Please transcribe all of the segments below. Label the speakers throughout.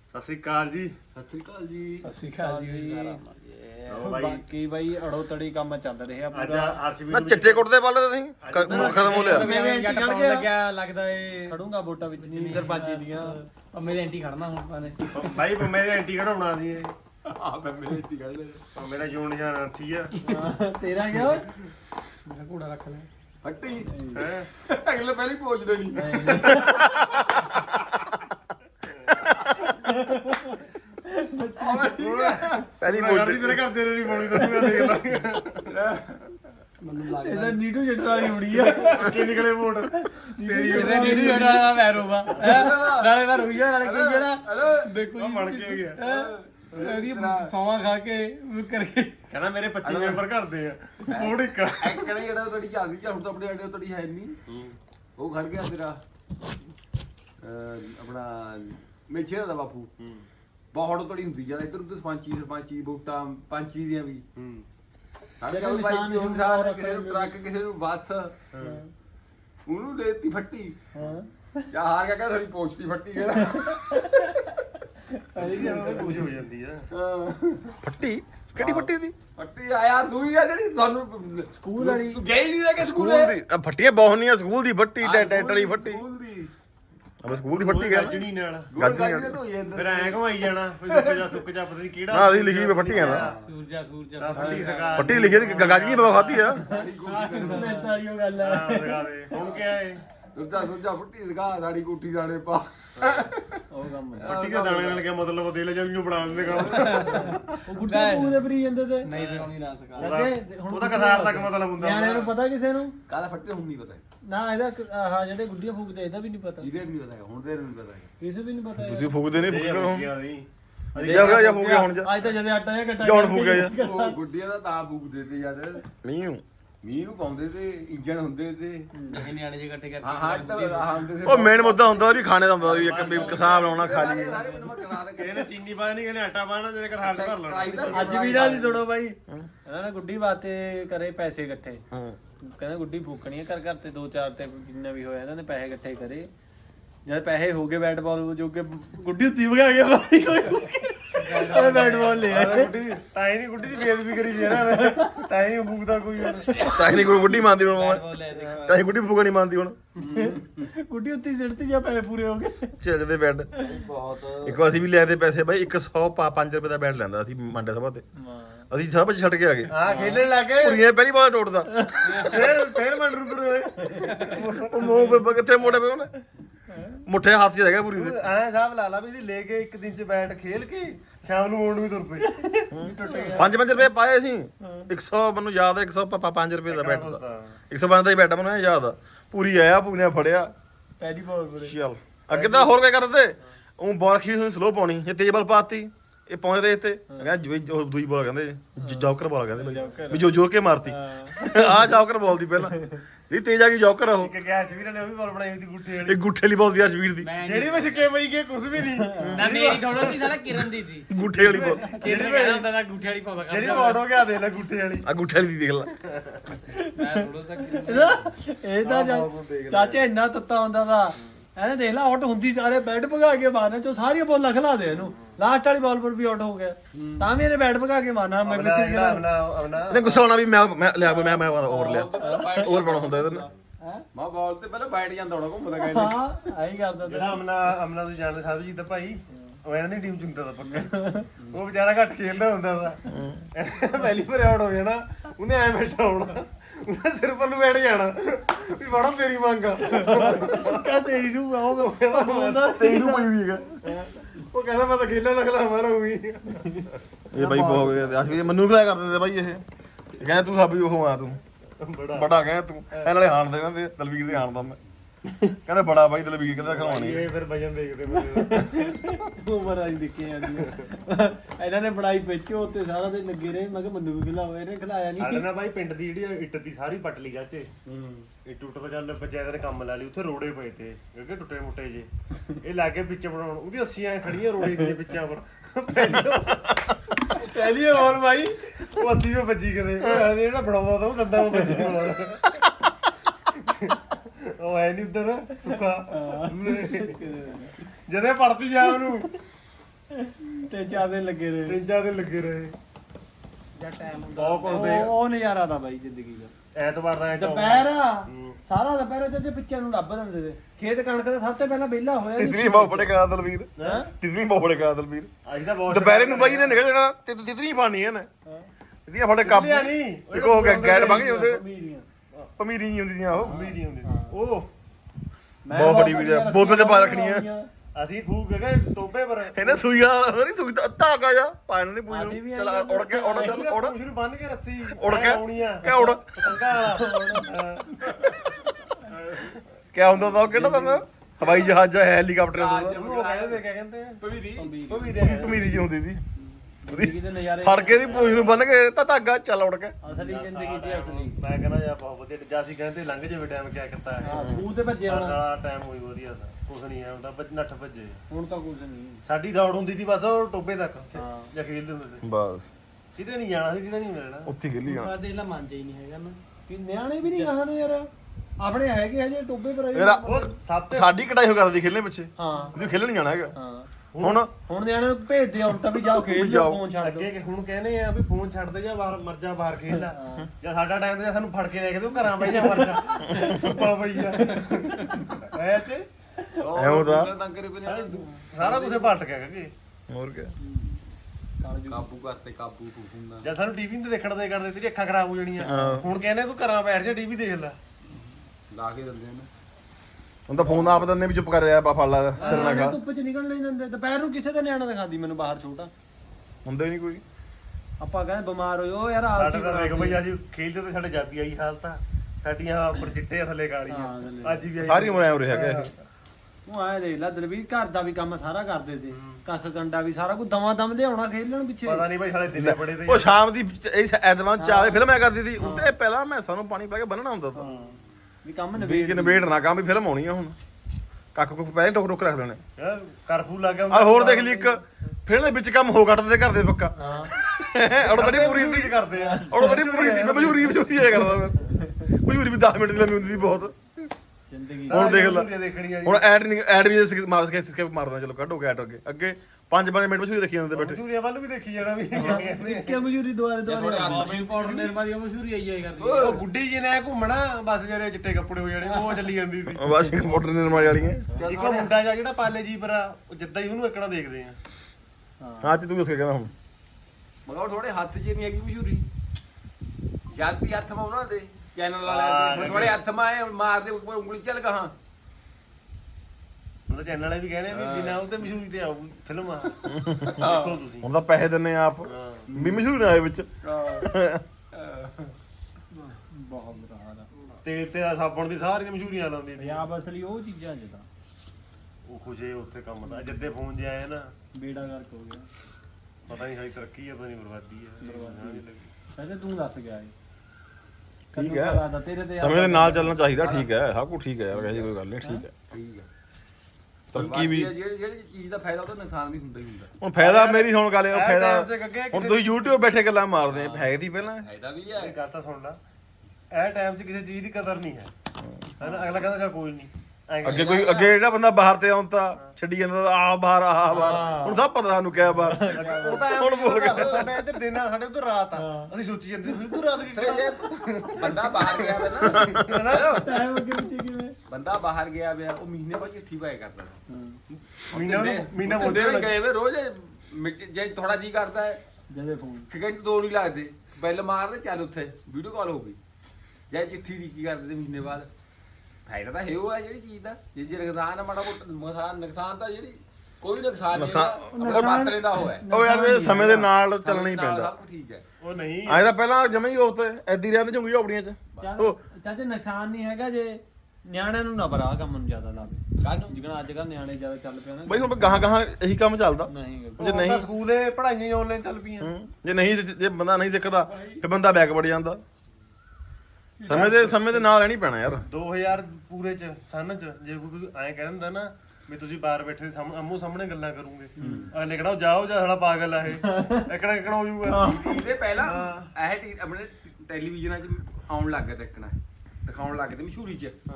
Speaker 1: ਸਤਿ ਸ੍ਰੀ ਅਕਾਲ ਜੀ।
Speaker 2: ਸਤਿ ਸ੍ਰੀ ਅਕਾਲ ਜੀ।
Speaker 3: ਸਤਿ ਸ਼੍ਰੀ ਅਕਾਲ ਜੀ।
Speaker 1: ਬਾਈ
Speaker 3: ਬਾਕੀ ਬਾਈ ਅੜੋ ਤੜੀ ਕੰਮ ਚੱਲ ਰਿਹਾ
Speaker 1: ਅੱਜ
Speaker 3: ਪੂਰਾ।
Speaker 1: ਆਰਸੀਬੀ
Speaker 4: ਨਾ ਚਿੱਟੇ ਕੁੜਤੇ ਪਾ ਲਏ ਤੁਸੀਂ ਖਤਮ ਹੋ ਲਿਆ।
Speaker 3: ਮੇਰੇ
Speaker 5: ਜੱਟ ਪਾਉਣ ਲੱਗਿਆ ਲੱਗਦਾ ਏ
Speaker 3: ਖੜੂੰਗਾ ਵੋਟਾਂ ਵਿੱਚ ਨਹੀਂ ਸਰਪੰਚੀ ਦੀਆਂ।
Speaker 5: ਪੰਮੇ ਦੇ ਐਂਟੀ ਖੜਨਾ ਹੁਣ ਪਾਣੇ
Speaker 1: ਬਾਈ ਪੰਮੇ ਦੇ ਐਂਟੀ ਕਢਾਉਣਾ ਸੀ ਇਹ।
Speaker 2: ਆ ਮੈਂ ਮੇਰੇ ਦੀ ਗੱਲ
Speaker 1: ਪੰਮੇ ਦਾ ਜੂਨ ਜਾਨ ਆਂਥੀ ਆ
Speaker 3: ਤੇਰਾ ਕਿਆ ਓਏ?
Speaker 5: ਮੇਰਾ ਘੋੜਾ ਰੱਖ ਲੈ
Speaker 2: ਫੱਟੀ
Speaker 1: ਹੈ।
Speaker 2: ਅਗਲੇ ਪਹਿਲੀ ਪਹੁੰਚ ਦੇਣੀ
Speaker 4: ਪਹਿਲੀ
Speaker 1: ਮੈਂ ਗਾੜੀ ਤੇਰੇ ਘਰ ਦੇ ਨਹੀਂ ਪਾਉਣੀ ਤਾਂ ਤੂੰ ਦੇਖ ਲੈ।
Speaker 5: ਮੈਨੂੰ
Speaker 3: ਇਹਦਾ
Speaker 5: ਲੱਗਦਾ
Speaker 3: ਨੀਟੂ ਜੱਟ ਵਾਲੀ ਉੜੀ ਆ।
Speaker 1: ਪੱਕੇ ਨਿਕਲੇ ਵੋਟ ਤੇਰੀ
Speaker 5: ਇਹਦੇ ਨੀਡੀ ਜੜਾ ਦਾ ਵੈਰੋਵਾ ਨਾਲੇ ਮੈਂ ਰੋਈ ਨਾਲੇ ਕਹੀ ਜਿਹੜਾ ਦੇਖੋ
Speaker 1: ਉਹ ਬਣ ਕੇ ਗਿਆ।
Speaker 5: ਇਹਦੀ ਸੌਂਹਾਂ ਖਾ ਕੇ ਕਰਕੇ
Speaker 1: ਕਹਿੰਦਾ ਮੇਰੇ 25 ਮੈਂਬਰ ਘਰ ਦੇ ਆ ਵੋਟ ਇੱਕ ਆ।
Speaker 2: ਐਕੜਾ ਜਿਹੜਾ ਤੁਹਾਡੀ ਆ ਗਈ ਹੁਣ ਤਾਂ ਆਪਣੇ ਆਡੇ ਤੁਹਾਡੀ ਹੈ ਨਹੀਂ ਉਹ ਖੜ ਗਿਆ ਤੇਰਾ ਆਪਣਾ ਮੇਚੇ ਦਾ ਬਾਪੂ ਬਹੁਤ ਤੁਹਾਡੀ ਹੁੰਦੀ ਜਾਂ ਇੱਧਰ ਉੱਧਰ ਸਰਪੰਚੀ ਵੋਟਾਂ ਪੰਚੀ ਦੀਆਂ ਵੀ ਸਾਡੇ ਕੋਲ ਭਾਈ ਕਿਉਂ ਸਾਰਾ ਕਿਸੇ ਨੂੰ ਟਰੱਕ ਕਿਸੇ ਨੂੰ ਬੱਸ ਉਹਨੂੰ ਦੇਤੀ ਫੱਟੀ ਜਾਂ ਹਾਰ ਗਿਆ ਕਹਿੰਦਾ ਥੋੜੀ ਪੋਸਟੀ ਫੱਟੀ ਕਹਿੰਦਾ
Speaker 1: ਪੂਜ ਹੋ ਜਾਂਦੀ ਆ।
Speaker 4: ਫੱਟੀ ਕਿਹੜੀ ਫੱਟੀ ਦੀ?
Speaker 2: ਫੱਟੀ ਆਇਆ ਦੂਈ ਆ ਜਿਹੜੀ ਤੁਹਾਨੂੰ
Speaker 3: ਸਕੂਲ ਵਾਲੀ।
Speaker 2: ਤੂੰ ਗਈ ਨਹੀਂ ਲੈ ਕੇ ਸਕੂਲ
Speaker 4: ਸਕੂਲ ਦੀ ਫੱਟੀਆਂ ਬਹੁਤ ਨਹੀਂ ਆ। ਸਕੂਲ ਦੀ ਫੱਟੀ ਟੈਂਟ ਵਾਲੀ ਫੱਟੀ।
Speaker 2: ਸਕੂਲ ਦੀ
Speaker 4: ਅਬ ਸਕੂਲ ਦੀ ਫੱਟੀ ਗੱਲ
Speaker 1: ਗੱਜਣੀ ਨਾਲ
Speaker 2: ਗੱਡੀ ਤੋਂ ਹੀ
Speaker 1: ਫਿਰ ਐਂ ਘਮਾਈ ਜਾਣਾ ਕੋਈ ਸੁੱਕ ਜਾ ਪਤਾ ਨਹੀਂ ਕਿਹੜਾ
Speaker 4: ਨਾ ਅਸੀਂ ਲਿਖੀ ਵੀ ਫੱਟੀਆਂ ਦਾ
Speaker 5: ਸੂਰਜਾ
Speaker 1: ਫੱਟੀ ਸਰਕਾਰ
Speaker 4: ਫੱਟੀ ਲਿਖੀ ਦੀ ਗਾਜਨੀ ਬਵਾ ਖਾਦੀ ਆ।
Speaker 3: ਵਾਲੀ ਉਹ ਗੱਲ ਆ।
Speaker 1: ਸਰਕਾਰ ਦੇ ਹੁਣ ਕਿਆ ਏ
Speaker 2: ਸੁਰਜਾ ਫੱਟੀ ਸਗਾ ਸਾਡੀ ਕੋਠੀ ਜਾਣੇ ਪਾ
Speaker 3: ਉਹ ਕੰਮ ਆ।
Speaker 1: ਫੱਟੀ ਦੇ ਦਾਣੇ ਨਾਲ ਕਿਆ ਮਤਲਬ ਦੇ ਲੈ ਜਾ ਵੀ ਬਣਾ ਦਿੰਦੇ ਕੰਮ
Speaker 3: ਉਹ ਗੁੱਡੇ ਪੂ ਦੇ ਫਰੀ ਜਾਂਦੇ ਤੇ
Speaker 5: ਨਹੀਂ ਫਿਰ ਉਹਨੀ ਨਾ ਸਕਾ
Speaker 1: ਉਹਦਾ ਕਸਾਰ ਤੱਕ ਮਤਲਬ ਹੁੰਦਾ
Speaker 3: ਨਿਆਣਿਆਂ ਨੂੰ ਪਤਾ ਕਿਸੇ ਨੂੰ
Speaker 2: ਕਾਹਦਾ ਫੱਟੇ ਹੁਣ ਨਹੀਂ ਪਤਾ
Speaker 3: ਨਾ ਇਹਦਾ ਆਹ ਜਿਹੜੇ ਗੁੱਡੀਆਂ ਫੂਕਦੇ ਇਹਦਾ ਵੀ ਨਹੀਂ ਪਤਾ
Speaker 2: ਇਹਦੇ ਵੀ ਨਹੀਂ ਪਤਾ ਹੁਣ ਤੇ ਨਹੀਂ ਪਤਾ
Speaker 3: ਕਿਸੇ ਵੀ ਨਹੀਂ ਪਤਾ
Speaker 4: ਤੁਸੀਂ ਫੂਕਦੇ ਨਹੀਂ ਫੂਕ ਕਰੋ
Speaker 1: ਅਸੀਂ
Speaker 4: ਜਾ ਗਿਆ ਜਾਂ ਫੂਕ ਗਿਆ ਹੁਣ ਜਾ
Speaker 3: ਅੱਜ ਤਾਂ ਜਦੇ ਆਟਾ ਜਿਹਾ ਕੱਟਾ
Speaker 4: ਜੌਣ ਫੂਕ ਗਿਆ ਜਾ
Speaker 2: ਉਹ ਗੁੱਡੀਆਂ ਦਾ ਤਾਂ ਫੂਕਦੇ ਤੇ ਜਦ
Speaker 4: ਨਹੀਂ
Speaker 2: ਮੀਂਹ ਨੂੰ ਪਾਉਂਦੇ ਤੇ ਇੰਜਣ ਹੁੰਦੇ ਤੇ
Speaker 5: ਇਹ ਨਿਆਣੇ ਜੇ ਇਕੱਠੇ ਕਰਕੇ
Speaker 2: ਹਾਂ ਹਾਂ ਤਾਂ ਹੁੰਦੇ ਤੇ
Speaker 4: ਉਹ ਮੇਨ ਮੁੱਦਾ ਹੁੰਦਾ ਵੀ ਖਾਣੇ ਦਾ ਹੁੰਦਾ ਵੀ ਇੱਕ ਕਸਾਬ ਲਾਉਣਾ ਖਾ ਲਈਏ।
Speaker 2: ਸਾਰੇ ਪਿੰਡ ਮੈਂ ਕਰਾ ਦੇ
Speaker 1: ਇਹਨੇ ਚੀਨੀ ਪਾ ਨਹੀਂ ਇਹਨੇ ਆਟਾ ਪਾਣਾ ਤੇਰੇ ਘਰ ਹੱਥ ਭਰ ਲੈਣਾ
Speaker 3: ਅੱਜ ਵੀ ਨਾ ਨਹੀਂ ਸੁਣੋ ਬਾਈ ਇਹਨਾਂ ਨੇ ਗੁੱਡੀ ਵਾਸਤੇ ਕਰੇ ਪੈਸੇ ਇਕੱਠੇ ਕਹਿੰਦਾ ਗੁੱਡੀ ਫੂਕਣੀ ਹੈ ਘਰ ਘਰ ਤੇ 2-4 ਤੇ ਜਿੰਨਾ ਵੀ ਹੋਇਆ ਇਹਨਾਂ ਨੇ ਪੈਸੇ ਇਕੱਠੇ ਕਰੇ ਜਦ ਪੈਸੇ ਹੋ ਗਏ ਬੈਟ ਬਾਲ ਜੋ ਕਿ ਗੁੱਡੀ ਉੱਤੀ ਵਗਾ ਗਿਆ ਬਾਈ ਕੋਈ ਬੈਟ ਬਾਲ ਲੈ ਆਏ
Speaker 1: ਗੁੱਡੀ ਤਾਂ ਹੀ ਨਹੀਂ ਗੁੱਡੀ ਦੀ ਬੇਇੱਜ਼ਤੀ ਕਰੀ ਵੀ ਨਾ ਤਾਂ ਹੀ ਨਹੀਂ ਫੂਕਦਾ ਕੋਈ ਹੁਣ
Speaker 4: ਤਾਂ ਨਹੀਂ ਕੋਈ ਗੁੱਡੀ ਮੰਨਦੀ ਹੁਣ
Speaker 5: ਬੋਲੇ ਦੇ
Speaker 4: ਤਾਂ ਹੀ ਗੁੱਡੀ ਫੂਕਣੀ ਮੰਨਦੀ ਹੁਣ
Speaker 3: ਗੁੱਡੀ ਉੱਤੀ ਸਿੱਟਤੀ ਜਾਂ ਪੈਸੇ ਪੂਰੇ ਹੋ ਗਏ
Speaker 4: ਚੱਲਦੇ ਬੈੱਡ
Speaker 1: ਬਹੁਤ
Speaker 4: ਇੱਕ ਵਾਰ ਅਸੀਂ ਵੀ ਲਿਆ ਤੇ ਪੈਸੇ ਬਾਈ 105 ਰੁਪਏ ਦਾ ਬੈਟ ਲੈਂਦਾ ਸੀ ਮੰਡੇ ਸਭਾ ਤੇ ਅਸੀਂ ਸਭ ਛੱਡ ਕੇ ਆ ਗਏ
Speaker 1: ਹਾਂ ਖੇਲਣ ਲੱਗੇ
Speaker 4: ਕੁੜੀਆਂ ਪਹਿਲੀ ਬਾਲ ਤੋੜਦਾ
Speaker 1: ਫੇਰ ਮੰਡਰੂ ਤੁਰ ਹੋਏ
Speaker 4: ਉਹ ਮੂੰਹ ਪੇ ਕਿੱਥੇ ਮੋੜੇ ਪਏ ਉਹਨੇ ਮੁੱਠੇ ਹੱਥ 'ਚ ਹੈਗਾ ਪੂਰੀ ਦੇ
Speaker 1: ਐਂ ਸਾਹਿਬ ਲਾ ਲਾ ਵੀ ਅਸੀਂ ਲੈ ਕੇ ਇੱਕ ਦਿਨ ਚ ਬੈਟ ਖੇਲ ਕੇ ਸ਼ਾਮ ਨੂੰ ਆਉਣ ਨੂੰ ਵੀ ਤੁਰ ਪਏ ਟੁੱਟ ਗਿਆ
Speaker 4: 5 ਰੁਪਏ ਪਾਏ ਸੀ 100 ਮੈਨੂੰ ਯਾਦ ਹੈ 105 ਰੁਪਏ ਦਾ ਬੈਟ ਦਾ 105 ਦਾ ਹੀ ਬੈਟ ਮੈਨੂੰ ਯਾਦ ਆ ਪੂਰੀ ਆਇਆ ਪੂਰੀਆਂ ਫੜਿਆ
Speaker 3: ਪਹਿਲੀ ਬਾਲ ਪੂਰੇ
Speaker 4: ਚੱਲ ਅੱਗੇ ਤਾਂ ਹੋਰ ਕੀ ਕਰਦੇ ਉਹ ਬਾਲ ਖੀ ਹੋਈ ਸਲੋ ਪਾਉਣੀ ਜੇ ਤੇਜ਼ ਬਾਲ ਪਾਤੀ ਇਹ ਪਹੁੰਚਦੇ ਇੱਥੇ ਕਹਿੰਦਾ ਦੂਈ ਬਾਲ ਕਹਿੰਦੇ ਜੌਕਰ ਬਾਲ ਕਹਿੰਦੇ ਬਈ ਵੀ ਜੋ ਜੋਰ ਕੇ ਮਾਰਤੀ ਆਹ ਜੌਕਰ ਬਾਲ ਦੀ ਪਹਿਲਾਂ ਇਹ ਤੇਜ਼ ਆ ਗਈ ਜੌਕਰ ਉਹ
Speaker 1: ਇੱਕ ਗੈਸ ਵੀਰਾਂ ਨੇ ਉਹ ਵੀ ਬਾਲ ਬਣਾਈ ਹੋਈ ਸੀ ਗੁੱਠੇ ਵਾਲੀ
Speaker 4: ਇਹ ਗੁੱਠੇ ਵਾਲੀ ਬਾਲ ਦੀ ਆ ਸ਼ਵੀਰ ਦੀ
Speaker 1: ਜਿਹੜੀ ਮੈਂ ਛੱਕੇ ਪਈ ਗਏ ਕੁਝ ਵੀ ਨਹੀਂ
Speaker 5: ਨਾ ਮੇਰੀ ਥੋੜਾ ਸੀ ਸਾਲਾ ਕਿਰਨ ਦੀ ਸੀ
Speaker 4: ਗੁੱਠੇ ਵਾਲੀ ਬਾਲ
Speaker 5: ਕਿਰਨ ਕਹਿੰਦਾ ਹੁੰਦਾ ਤਾਂ ਗੁੱਠੇ ਵਾਲੀ ਪਾਵਾ
Speaker 1: ਜਿਹੜੀ ਮੋੜ ਹੋ ਗਿਆ ਦੇ ਲੈ ਗੁੱਠੇ ਵਾਲੀ
Speaker 4: ਆ ਗੁੱਠੇ ਵਾਲੀ ਦੀ ਦੇਖ ਲੈ
Speaker 5: ਮੈਂ ਥੋੜਾ ਸਾ ਕਿਰਨ
Speaker 3: ਇਹ ਤਾਂ ਚਾਚਾ ਇੰਨਾ ਤੱਤਾ ਹੁੰਦਾ ਦਾ ਇਹਨੇ ਦੇਖ ਲਾ ਆਊਟ ਹੁੰਦੀ ਸਾਰੇ ਬੈਟ ਭਗਾ ਕੇ ਮਾਰਨਾ ਚੋ ਸਾਰੀਆਂ ਬੋਲਾਂ ਖਿਲਾ ਦੇ ਇਹਨੂੰ ਲਾਸਟ ਵਾਲੀ ਬਾਲ ਪਰ ਵੀ ਆਊਟ ਹੋ ਗਿਆ ਤਾਂ ਵੀ ਇਹਨੇ ਬੈਟ ਭਗਾ ਕੇ ਮਾਰਨਾ ਮੈਂ
Speaker 1: ਆਪਣਾ
Speaker 3: ਕਿੱਥੇ
Speaker 1: ਜਿਹੜਾ ਆਪਣਾ
Speaker 4: ਇਹਨੇ ਗੁੱਸਾ ਆਉਣਾ ਵੀ ਮੈਂ ਲਿਆ ਮੈਂ ਓਵਰ ਲਿਆ ਓਵਰ ਪਾਉਣਾ ਹੁੰਦਾ ਇਹਦੇ ਨਾਲ
Speaker 2: ਮੈਂ ਬਾਲ ਤੇ ਪਹਿਲਾਂ ਬੈਠ ਜਾਂਦਾ ਹੋਣਾ ਘੁੰਮਦਾ ਕਹਿੰਦੇ
Speaker 3: ਹਾਂ ਆਹੀ ਕਰਦਾ
Speaker 1: ਜਿਹੜਾ ਅਮਨਾ ਤੋਂ ਜਾਣਦੇ ਸਾਹਿਬ ਜੀ ਦਾ ਭਾਈ ਉਹ ਇਹਨਾਂ ਦੀ ਟੀਮ ਚ ਹੁੰਦਾ ਤਾਂ ਪੱਕਾ ਉਹ ਵਿਚਾਰਾ ਘੱਟ ਖੇਲਦਾ ਹੁੰਦਾ ਦਾ ਪਹਿਲੀ ਵਾਰ ਆਊਟ ਹੋ ਜਾਣਾ ਉਹਨੇ ਐ ਬੈਠਾ ਹੋਣਾ ਉਹਨੇ ਸਿਰ ਪਰ ਨੂੰ ਬੈਠ ਜਾਣਾ ਵੀ ਬੜਾ ਤੇਰੀ ਮੰਗ ਆ
Speaker 3: ਕਹ ਤੇਰੀ ਨੂੰ ਆਉ ਕਹਿੰਦਾ
Speaker 4: ਤੇਰੀ ਨੂੰ ਪਈ ਵੀ ਹੈਗਾ
Speaker 1: ਉਹ ਕਹਿੰਦਾ ਮੈਂ ਤਾਂ ਖੇਲਣ ਲੱਗਦਾ ਮਾਰਾ ਹੋਈ
Speaker 4: ਇਹ ਬਾਈ ਬਹੁਤ ਗਿਆ ਅਸੀਂ ਵੀ ਮੈਨੂੰ ਖਿਲਾਇਆ ਕਰਦੇ ਤੇ ਬਾਈ ਇਹ ਕਹਿੰਦਾ ਤੂੰ ਸਾਬੀ ਉਹ ਆ ਤੂੰ ਬੜਾ ਕਹਿੰਦਾ ਤੂੰ ਇਹ ਨਾਲੇ ਹਾਣ ਦੇ ਕਹਿੰਦੇ ਦਲਵੀਰ ਦੇ ਹਾਣ ਦਾ ਮੈਂ ਕਹਿੰਦਾ ਬੜਾ ਬਾਈ ਦਲਵੀਰ ਕਹਿੰਦਾ ਖਵਾਉਣੀ
Speaker 1: ਇਹ ਫਿਰ ਵਜਨ ਦੇਖਦੇ ਬੰਦੇ
Speaker 3: ਉਮਰ ਆਈ ਦੇਖੇ ਜਾਂਦੀ ਇਹਨਾਂ ਨੇ ਬੜਾਈ ਵੇਚੋ ਉੱਤੇ ਸਾਰਾ ਦਿਨ ਲੱਗੇ ਰਹੇ ਮੈਂ ਕਿਹਾ ਮੈਨੂੰ ਵੀ ਖਿਲਾਓ ਇਹਨੇ ਖਿਲਾਇਆ
Speaker 1: ਸਾਡੇ
Speaker 3: ਨਹੀਂ
Speaker 1: ਨਾਲ ਬਾਈ ਪਿੰਡ ਦੀ ਜਿਹੜੀ ਇੱਟ ਦੀ ਸਾਰੀ ਪੱਟ ਲਈ ਚਾਚੇ ਇਹ ਟੁੱਟ ਤਾਂ ਚੱਲ ਪੰਚਾਇਤ ਨੇ ਕੰਮ ਲਾ ਲਈ ਉੱਥੇ ਰੋੜੇ ਪਏ ਤੇ ਕਿਉਂਕਿ ਟੁੱਟੇ ਮੁੱਟੇ ਜੇ ਇਹ ਲਾਗੇ ਪਿੱਛੇ ਬਣਾਉਣ ਉਹਦੀ 80 ਖੜੀਆਂ ਰੋੜੇ ਦੀਆਂ ਪਿੱਛਾਂ ਪਰ ਪਹਿਲੀ ਹੋਰ ਬਾਈ ਉਹ 80 ਵਿੱਚ ਵੱਜੀ ਕਦੇ ਉਹ ਜਿਹੜਾ ਬਣਾਉਂਦਾ ਤਾਂ ਉਹ ਦੰਦਾਂ ਵਿੱਚ ਵੱਜੀ ਉਹ ਐ ਨਹੀਂ ਉਧਰ ਸੁੱਕਾ ਜਦੇ ਪੜਤੀ ਜਾ ਉਹਨੂੰ
Speaker 3: ਤੇ 4 ਦਿਨ ਲੱਗੇ ਰਹੇ
Speaker 1: 3-4 ਦਿਨ ਲੱਗੇ ਰਹੇ
Speaker 5: ਜਾਂ ਟਾਈਮ
Speaker 1: ਬਹੁਤ ਕੁਝ ਦੇ
Speaker 3: ਉਹ ਨਜ਼ਾਰਾ ਤਾਂ ਬਾਈ ਜ਼ਿੰਦਗੀ ਦਾ
Speaker 1: ਐਤਵਾਰ ਦਾ ਐ
Speaker 3: ਦੁਪਹਿਰ ਸਾਰਾ ਦੁਪਹਿਰ ਤੇ ਪਿੱਛੇ ਨੂੰ ਲੱਭ ਦਿੰਦੇ ਤੇ ਖੇਤ ਕਣਕ ਦਾ ਸਭ ਤੋਂ ਪਹਿਲਾਂ ਵਿਹਲਾ ਹੋਇਆ
Speaker 4: ਤਿਤਲੀ ਬਹੁਤ ਬੜੇ ਕਰਾ ਦਲਵੀਰ ਤਿਤਲੀ ਬਹੁਤ ਬੜੇ ਕਰਾ ਦਲਵੀਰ
Speaker 1: ਅੱਜ ਤਾਂ ਬਹੁਤ
Speaker 4: ਦੁਪਹਿਰੇ ਨੂੰ ਬਾਈ ਨੇ ਨਿਕਲ ਜਾਣਾ ਤੇ ਤਿਤਲੀ ਪਾਣੀ ਹੈ ਨਾ ਇਹਦੀਆਂ ਫੜੇ ਕਾਬੂ
Speaker 1: ਨਹੀਂ
Speaker 4: ਇੱਕ ਹੋ ਗਿਆ ਗੈਟ ਬੰਗ ਜਾਂਦੇ
Speaker 3: ਮੀਰੀਆਂ
Speaker 4: ਪਮੀਰੀ ਨਹੀਂ ਹੁੰਦੀਆਂ ਉਹ
Speaker 1: ਮੇਰੀ ਹੁੰਦੀ ਸੀ। ਉਹ
Speaker 4: ਬਹੁਤ ਵੱਡੀ ਵੀ ਆ, ਬੋਤਲ 'ਚ ਪਾ ਰੱਖਣੀਆਂ।
Speaker 1: ਅਸੀਂ ਫੂਕ ਗਏ ਟੋਬੇ ਪਰ
Speaker 4: ਇਹਨੇ ਸੂਈਆ ਨਹੀਂ ਸੂਈ ਤਾਂ ਧਾਗਾ ਜਾ ਪਾਣ ਨਹੀਂ
Speaker 3: ਆਦੀ ਵੀ
Speaker 4: ਪੂਜੂ ਚਲ ਉੜ ਕੇ ਉੜ ਚੱਲ ਉੜ
Speaker 1: ਸ਼ੁਰੂ ਬੰਨ ਕੇ ਰੱਸੀ
Speaker 4: ਉੜ ਕੇ
Speaker 1: ਆਉਣੀ ਆ
Speaker 4: ਕਿਆ ਉੜ
Speaker 1: ਪਤੰਗਾ ਵਾਲਾ
Speaker 4: ਕਿਆ ਹੁੰਦਾ ਤਾਂ ਉਹ ਕਿਹੜਾ ਬੰਦਾ ਹਵਾਈ ਜਹਾਜ਼ ਜਾਂ ਹੈਲੀਕਾਪਟਰ ਹੁੰਦਾ
Speaker 1: ਉਹਨੂੰ ਉਹ ਕਹਿੰਦੇ ਕਿਆ ਕਹਿੰਦੇ ਆ
Speaker 2: ਭਵੀਰੀ
Speaker 1: ਭਵੀਰੇ
Speaker 4: ਪਮੀਰੀ ਜੀ ਹੁੰਦੀ ਸੀ
Speaker 3: ਜ਼ਿੰਦਗੀ ਦੇ ਨਜ਼ਾਰੇ
Speaker 4: ਫੜ ਕੇ ਦੀ ਪੂੰਛ ਨੂੰ ਬੰਨ ਕੇ ਤਾਂ ਧਾਗਾ ਚੱਲ ਉੜ ਕੇ
Speaker 3: ਅਸਲੀ ਜ਼ਿੰਦਗੀ ਦੀ ਅਸਲੀ
Speaker 1: ਮੈਂ ਕਹਿੰਦਾ ਯਾਰ ਬਹੁਤ ਵਧੀਆ ਜਾਂ ਅਸੀਂ ਕਹਿੰਦੇ ਲੰਘ ਜਾਵੇ ਟਾਈਮ ਕਿਆ ਕਰਤਾ ਹੈ
Speaker 3: ਹਾਂ ਸਕੂਲ ਤੇ ਭੱਜੇ ਹੋਣਾ
Speaker 1: ਨਾਲਾ ਟਾਈਮ ਹੋਈ ਵਧੀਆ ਦਾ ਕੁਛ ਨਹੀਂ ਹੈ ਹੁੰਦਾ ਨੱਠ ਭੱਜੇ
Speaker 3: ਹੁਣ ਤਾਂ ਕੁਝ ਨਹੀਂ
Speaker 1: ਸਾਡੀ ਦੌੜ ਹੁੰਦੀ ਸੀ ਬਸ ਉਹ ਟੋਬੇ ਤੱਕ
Speaker 3: ਹਾਂ।
Speaker 1: ਜਾਂ ਖੇਡਦੇ ਹੁੰਦੇ ਸੀ
Speaker 4: ਬਸ
Speaker 1: ਕਿਤੇ ਨਹੀਂ ਜਾਣਾ ਸੀ ਕਿਤੇ ਨਹੀਂ ਮਿਲਣਾ
Speaker 4: ਉੱਥੇ ਖੇਲੀ ਜਾਣਾ
Speaker 5: ਦੇ ਲਾ ਮਨ ਚ ਹੀ ਨਹੀਂ ਹੈਗਾ ਨਾ
Speaker 3: ਕਿ ਨਿਆਣੇ ਵੀ ਨਹੀਂ ਕਹਾਂ ਨੂੰ ਯਾਰ ਆਪਣੇ ਹੈਗੇ ਹਜੇ ਟੋਬੇ ਪਰ
Speaker 4: ਯਾਰ
Speaker 1: ਉਹ ਸਭ ਤੋਂ
Speaker 4: ਸਾਡੀ ਕਟਾਈ ਹੋ ਕਰਦੀ ਖੇਲਣੇ ਪਿੱਛੇ
Speaker 3: ਹਾਂ
Speaker 4: ਤੂੰ ਖੇਲਣ ਜਾਣਾ ਹੈਗਾ
Speaker 3: ਹਾਂ
Speaker 4: ਹੁਣ
Speaker 3: ਹੁਣ ਨਿਆਣੇ ਨੂੰ ਭੇਜਦੇ ਆ ਉਲਟਾ ਵੀ ਜਾਓ ਖੇਡ ਜਾਓ ਫੋਨ ਛੱਡ ਦਿਓ
Speaker 1: ਅੱਗੇ ਕਿ ਹੁਣ ਕਹਿੰਦੇ ਆ ਵੀ ਫੋਨ ਛੱਡ ਦੇ ਜਾਂ ਬਾਹਰ ਮਰ ਜਾ ਬਾਹਰ ਖੇਡ ਲੈ ਜਾਂ ਸਾਡਾ ਟਾਈਮ ਤੇ ਸਾਨੂੰ ਫੜ ਕੇ ਲੈ ਕੇ ਤੂੰ ਘਰਾਂ ਬਈ ਜਾ ਮਰ ਜਾ ਧੁੱਪਾਂ ਪਈ ਜਾ ਐ ਚ
Speaker 4: ਐਉਂ ਦਾ।
Speaker 2: ਤੰਗ ਕਰੇ ਪਏ ਨੇ।
Speaker 1: ਸਾਰਾ ਕੁਝ ਪਲਟ ਗਿਆ ਕਿ
Speaker 4: ਹੋਰ ਕੀ
Speaker 2: ਕਾਬੂ ਕਰਤੇ ਕਾਬੂ ਹੁੰਦਾ
Speaker 1: ਜਾਂ ਸਾਨੂੰ ਟੀਵੀ ਤੇ ਦੇਖਣ ਦੇ ਕਰਦੇ ਤੇਰੀ ਅੱਖਾਂ ਖਰਾਬ ਹੋ ਜਾਣੀਆਂ ਹੁਣ ਕਹਿੰਦੇ ਤੂੰ ਘਰਾਂ ਬੈਠ ਜਾ ਟੀਵੀ ਦੇਖ ਲੈ
Speaker 2: ਲਾ ਕੇ ਦਿੰਦੇ ਨੇ
Speaker 4: ਹੁਣ ਤਾਂ ਫੋਨ ਆਪ ਦੰਨੇ ਵੀ ਚੁੱਪ ਕਰ ਰਿਹਾ ਫੜ ਲਾ ਸਿਰ ਨਾ ਖਾ
Speaker 3: ਧੁੱਪ ਚ ਨਿਕਲ ਨਹੀਂ ਦਿੰਦੇ ਦੁਪਹਿਰ ਨੂੰ ਕਿਸੇ ਦਾ ਨਿਆਣਾ ਦਿਖਾਦੀ ਮੈਨੂੰ ਬਾਹਰ ਛੋਟਾ
Speaker 4: ਹੁੰਦਾ ਹੀ ਨਹੀਂ ਕੋਈ
Speaker 3: ਆਪਾਂ ਕਹਿੰਦੇ ਬਿਮਾਰ ਹੋਏ ਉਹ ਯਾਰ
Speaker 1: ਸਾਡੇ
Speaker 3: ਆਲਸੀ
Speaker 1: ਤਾਂ ਦੇਖ ਬਈ ਅੱਜ ਖੇਲਦੇ ਤੇ ਸਾਡੇ ਜਾਬੀ ਆਈ ਹਾਲਤ ਆ ਸਾਡੀਆਂ ਉੱਪਰ ਚਿੱਟੇ ਆ, ਥੱਲੇ ਕਾਲੀਆਂ
Speaker 3: ਹਾਂ, ਥੱਲੇ।
Speaker 1: ਅੱਜ ਵੀ ਆਈ
Speaker 4: ਸਾਰੀ ਉਮਰ ਐ ਹੋ ਰਿਹਾ ਹੈਗਾ ਇਹ
Speaker 3: ਉਹ ਆਏ ਦੇਖ ਲੈ ਦਲਵੀਰ ਘਰ ਦਾ ਵੀ ਕੰਮ ਸਾਰਾ ਕਰਦੇ ਸੀ ਕੱਖ ਕੰਡਾ ਵੀ ਸਾਰਾ ਕੁਝ ਦਵਾ ਦਮ ਲਿਆਉਣਾ ਖੇਲਣ ਪਿੱਛੇ
Speaker 1: ਪਤਾ ਨਹੀਂ ਭਾਈ ਸਾਲੇ ਦਿਨੇ ਬੜੇ ਤੇ
Speaker 4: ਉਹ ਸ਼ਾਮ ਦੀ ਇਹ ਐਤਵਾਰ ਚਾਵੇ ਫਿਲਮ ਐ ਕਰਦੀ ਸੀ ਉੱਤੇ ਪਹਿਲਾਂ ਮੈਂ ਸਾਨੂੰ ਪਾਣੀ ਪਾ ਕੇ ਬੰਨਣਾ ਹੁੰਦਾ ਤਾਂ
Speaker 3: ਹਾਂ ਵੀ ਕੰਮ
Speaker 4: ਵੀ
Speaker 3: ਨਵੇੜ
Speaker 4: ਕਿ ਨਵੇੜਨਾ ਕੰਮ ਵੀ ਫਿਲਮ ਆਉਣੀ ਆ ਹੁਣ ਕੱਖ ਕੁੱਖ ਪਹਿਲੇ ਟੋਕ ਟੋਕ ਰੱਖ ਦੇਣੇ
Speaker 1: ਯਾਰ ਕਰਫੂ ਲੱਗ ਗਿਆ
Speaker 4: ਆ ਹੋਰ ਦੇਖ ਲਈ ਇੱਕ ਫਿਲਮ ਦੇ ਵਿੱਚ ਕੰਮ ਹੋ ਕੱਟਦੇ ਘਰ ਦੇ ਪੱਕਾ
Speaker 3: ਹਾਂ
Speaker 4: ਔਰ ਬੜੀ ਪੂਰੀ
Speaker 1: ਕੀ
Speaker 4: ਸੀ
Speaker 1: ਕਰਦੇ ਆ
Speaker 4: ਔਰ ਬੜੀ ਪੂਰੀ ਸੀ ਮੈਂ ਮਜੂਰੀ ਆਇਆ ਕਰਦਾ ਮੈਂ ਮਜੂਰੀ ਵੀ 10 ਮਿੰਟ ਦੀ ਲੰਮੀ ਹੁੰਦੀ ਸੀ ਬਹੁਤ
Speaker 3: ਜ਼ਿੰਦਗੀ
Speaker 4: ਹੁਣ ਦੇਖ ਲੈ
Speaker 1: ਸਾਰੀਆਂ ਦੇਖਣੀਆਂ
Speaker 4: ਹੁਣ ਐਡ ਵੀ ਮਾਰ ਕੇ ਸਕਿਪ ਮਾਰਦਾ ਚਲੋ ਕੱਢੋ ਐਡ ਅੱਗੇ ਅੱਗੇ 5-5 ਮਿੰਟ ਮਸ਼ਹੂਰੀ ਦੇਖੀ ਜਾਂਦੇ ਬੈਠੇ
Speaker 1: ਮਸ਼ਹੂਰੀਆਂ ਵੱਲ ਵੀ ਦੇਖੀ ਜਾਣਾ ਵੀ ਕੀ ਕਹਿੰਦੇ ਆ।
Speaker 3: ਕਿ ਮਜ਼ਦੂਰੀ ਦੁਆਰੇ
Speaker 2: ਥੋੜੇ
Speaker 3: ਦੁਆਰੇ
Speaker 2: ਹੱਥ ਵਿੱਚ
Speaker 5: ਪਾਉਡਰ ਨਿਰਮਾ ਦੀ ਮਸ਼ਹੂਰੀ ਆਈ ਆਈ ਕਰਦੀ
Speaker 1: ਉਹ ਗੁੱਡੀ ਜੀ ਨੇ ਘੁੰਮਣਾ ਬਸ ਜਿਹੜੇ ਚਿੱਟੇ ਕੱਪੜੇ ਹੋ ਜਾਣੇ ਉਹ ਚੱਲੀ ਜਾਂਦੀ ਸੀ
Speaker 4: ਬਸ ਮੋਟਰ ਨਿਰਮਾਣ ਵਾਲੀਆਂ
Speaker 1: ਇੱਕ ਉਹ ਮੁੰਡਾ ਜਿਹੜਾ ਪਾਲੇ ਜੀ ਪਰ ਉਹ ਜਿੱਦਾਂ ਹੀ ਉਹਨੂੰ ਇੱਕਣਾ ਦੇਖਦੇ ਆ
Speaker 4: ਹਾਂ ਚ ਤੂੰ ਉਸ ਕਹਿੰਦਾ ਹੁਣ
Speaker 2: ਮਗਰ ਥੋੜੇ ਹੱਥ 'ਚ ਨਹੀਂ ਹੈਗੀ ਮਸ਼ਹੂਰੀ ਜਦ ਵੀ ਹੱਥ ਮਾ ਉਹਨਾਂ ਦੇ ਚੈਨਲ ਵਾਲਿਆਂ ਦੇ ਥੋੜੇ ਹੱਥ ਮਾ ਮਾਰਦੇ ਉੱਪਰ ਉਂਗਲੀ ਚੱਲ ਕਹਾਂ
Speaker 1: ਉਹਦਾ ਚੈਨਲ ਵਾਲੇ ਵੀ ਕਹਿੰਦੇ ਆ ਵੀ ਬਿਨਾਂ ਉਹਦੇ ਮਸ਼ਹੂਰੀ ਤੇ ਆਊ ਫਿਲਮ ਆ ਦੇਖੋ ਤੁਸੀਂ
Speaker 4: ਹੁਣ ਤਾਂ ਪੈਸੇ ਦਿੰਨੇ ਆ ਆਪ ਵੀ ਮਸ਼ਹੂਰੀ ਆਏ ਵਿੱਚ
Speaker 3: ਬਹੁਤ ਬੁਰਾ ਹਾਲ ਆ
Speaker 1: ਤੇਲ ਤੇ ਸਾਬਣ ਦੀ ਸਾਰੀਆਂ ਮਸ਼ਹੂਰੀਆਂ ਲਾਉਂਦੇ ਸੀ
Speaker 3: ਪੰਜਾਬ ਅਸਲੀ ਉਹ ਚੀਜ਼ਾਂ ਜਿੱਦਾਂ
Speaker 1: ਉਹ ਖੁਸ਼ੇ ਉੱਥੇ ਕੰਮ ਦਾ ਜਿੱਦੇ ਫੋਨ ਜੇ ਆਏ ਨਾ
Speaker 3: ਬੇੜਾ ਗਰਕ ਹੋ ਗਿਆ
Speaker 1: ਪਤਾ ਨਹੀਂ ਸਾਡੀ ਤਰੱਕੀ ਆ ਪਤਾ ਨਹੀਂ ਬਰਬਾਦੀ ਆ
Speaker 3: ਕਹਿੰਦੇ ਤੂੰ ਦੱਸ ਗਿਆ ਇਹ
Speaker 4: ਠੀਕ ਹੈ
Speaker 3: ਤੇਰੇ ਤੇ
Speaker 4: ਸਮੇਂ ਦੇ ਨਾਲ ਚੱਲਣਾ ਚਾਹੀਦਾ ਠੀਕ ਹੈ ਸਭ ਕੁਝ ਠੀਕ ਹੈ ਯਾਰ ਕੋਈ ਗੱਲ ਨਹੀਂ ਠੀਕ ਹੈ
Speaker 2: ਠੀਕ ਹੈ
Speaker 4: ਤਰੱਕੀ ਵੀ
Speaker 2: ਜਿਹੜੀ ਜਿਹੜੀ ਚੀਜ਼ ਦਾ ਫਾਇਦਾ ਉਹਦਾ ਨੁਕਸਾਨ ਵੀ ਹੁੰਦਾ ਹੀ ਹੁੰਦਾ
Speaker 4: ਹੁਣ ਫਾਇਦਾ ਮੇਰੀ ਹੁਣ ਗੱਲ ਉਹ
Speaker 1: ਇਹ
Speaker 4: ਫਾਇਦਾ
Speaker 1: time 'ਚ ਅੱਗੇ
Speaker 4: ਹੁਣ ਤੁਸੀਂ YouTube ਬੈਠੇ ਗੱਲਾਂ ਮਾਰਦੇ ਆ ਹੈ ਦੀ ਪਹਿਲਾਂ
Speaker 2: ਫਾਇਦਾ ਵੀ ਹੈ
Speaker 1: ਇਹ ਗੱਲ ਤਾਂ ਸੁਣ ਲੈ ਇਹ ਟਾਈਮ 'ਚ ਕਿਸੇ ਚੀਜ਼ ਦੀ ਕਦਰ ਨਹੀਂ ਹੈ ਹਨਾ ਅਗਲਾ ਕਹਿੰਦਾ ਚਾ ਕੋਈ ਨਹੀਂ
Speaker 4: ਅੱਗੇ ਕੋਈ ਅੱਗੇ ਜਿਹੜਾ ਬੰਦਾ ਬਾਹਰ ਤੇ ਆਉਂਦਾ ਛੱਡੀ ਜਾਂਦਾ ਆ ਬਾਹਰ ਆ ਬਾਹਰ ਹੁਣ ਸਭ ਪਤਾ ਸਾਨੂੰ ਕਿਆ ਬਾਹਰ
Speaker 1: ਉਹ ਤਾਂ ਹੁਣ ਬੋਲ ਗਿਆ ਸਾਡੇ ਇੱਧਰ ਦਿਨ ਆ ਸਾਡੇ ਉੱਧਰ ਰਾਤ ਆ ਅਸੀਂ ਸੋਚੀ ਜਾਂਦੇ ਵੀ ਤੂੰ ਰਾਤ ਕੀ
Speaker 2: ਜੇ ਬੰਦਾ ਬਾਹਰ ਗਿਆ ਵੇ ਨਾ
Speaker 3: ਟਾਈਮ ਅੱਗੇ ਪਿੱਛੇ ਕਿਵੇਂ
Speaker 2: ਬੰਦਾ ਬਾਹਰ ਗਿਆ ਵੇ ਉਹ ਮਹੀਨੇ ਬਾਅਦ ਚਿੱਠੀ ਪਾਏ ਕਰਦਾ
Speaker 1: ਮਹੀਨਾ
Speaker 2: ਬੰਦੇ
Speaker 1: ਬੋਲਦੇ
Speaker 2: ਗਏ ਵੇ ਰੋਜ਼ ਜੇ ਥੋੜਾ ਜੀ ਕਰਦਾ ਹੈ
Speaker 3: ਜਦੇ ਫੋਨ
Speaker 2: ਸੈਕਿੰਡ ਦੋ ਨਹੀਂ ਲੱਗਦੇ ਬੈਲ ਮਾਰਦੇ ਚੱਲ ਉੱਥੇ ਵੀਡੀਓ ਕਾਲ ਹੋ ਗਈ ਜੇ ਚਿੱਠੀ ਦੀ ਕੀ ਕਰਦੇ ਤੇ ਮਹੀਨੇ ਬਾਅਦ ਫਾਇਦਾ ਤਾਂ ਹੈ ਉਹ ਹੈ ਜਿਹੜੀ ਚੀਜ਼ ਦਾ ਜੇ ਨੁਕਸਾਨ ਆ ਮਾੜਾ ਮੋਟਾ ਨੁਕਸਾਨ ਤਾਂ ਜਿਹੜੀ ਕੋਈ ਨੁਕਸਾਨ ਨਹੀਂ ਆਪਣਾ ਮਾਤਰੇ ਦਾ ਹੋਇਆ
Speaker 4: ਉਹ ਯਾਰ ਇਹ ਸਮੇਂ ਦੇ ਨਾਲ ਚੱਲਣਾ ਹੀ ਪੈਂਦਾ
Speaker 2: ਸਭ ਕੁਝ ਠੀਕ ਹੈ
Speaker 1: ਉਹ ਨਹੀਂ
Speaker 4: ਐਂ ਤਾਂ ਪਹਿਲਾਂ ਜਮੇ ਹੀ ਉੱਤੇ ਐਦੀ ਰਹਿੰਦੇ ਝੁੰਗੀ ਝੋਪੜੀਆਂ 'ਚ ਉਹ
Speaker 3: ਚਾਚੇ ਨੁਕਸਾਨ ਨਹੀਂ ਹੈਗਾ ਜੇ ਨਿਆਣਿਆਂ ਨੂੰ ਨਾ ਬਰਾ ਕੰਮ ਨੂੰ ਜ਼ਿਆਦਾ ਲਾਵੇ ਕਾਹਨੂੰ ਜਿਗਣਾ ਅੱਜ ਕੱਲ ਨਿਆਣੇ ਜ਼ਿਆਦਾ ਚੱਲ ਪਿਆ ਨਾ
Speaker 4: ਬਈ ਹੁਣ ਗਾਹਾਂ ਗਾਹਾਂ ਇਹੀ ਕੰਮ ਚੱਲਦਾ
Speaker 3: ਨਹੀਂ
Speaker 4: ਜੇ ਨਹੀਂ
Speaker 1: ਸਕੂਲ ਦੇ ਪੜ੍ਹਾਈਆਂ ਆਨਲਾਈਨ ਚੱਲ ਪਈਆਂ
Speaker 4: ਜੇ ਨਹੀਂ ਜੇ ਬੰਦਾ ਨਹੀਂ ਸਿੱਖਦਾ ਫਿਰ ਬੰਦਾ ਬੈਕ ਵੜ ਜਾਂਦਾ ਸਮੇਂ ਦੇ ਨਾਲ ਰਹਿਣੀ ਪੈਣਾ ਯਾਰ
Speaker 1: 2000 ਪੂਰੇ ਚ ਸਨ ਚ ਜੇ ਕੋਈ ਐਂ ਕਹਿ ਦਿੰਦਾ ਨਾ ਵੀ ਤੁਸੀਂ ਬਾਹਰ ਬੈਠੇ ਆਮੋ ਸਾਹਮਣੇ ਗੱਲਾਂ ਕਰੋਗੇ ਅਗਲੇ ਕਿਹੜਾ ਜਾਓ ਜਾਂ ਸਾਡਾ ਪਾਗਲ ਆ ਇਹ ਇੱਕਣਾ ਇੱਕਣਾ ਹੋ ਜਾਊਗਾ
Speaker 2: ਇਹਦੇ ਪਹਿਲਾਂ ਇਹ ਆਪਣੇ ਟੈਲੀਵਿਜ਼ਨਾਂ 'ਚ ਆਉਣ ਲੱਗ ਗਿਆ ਦੇਖਣਾ ਦਿਖਾਉਣ ਲੱਗ ਗਏ ਤੇ ਮਸ਼ਹੂਰੀ 'ਚ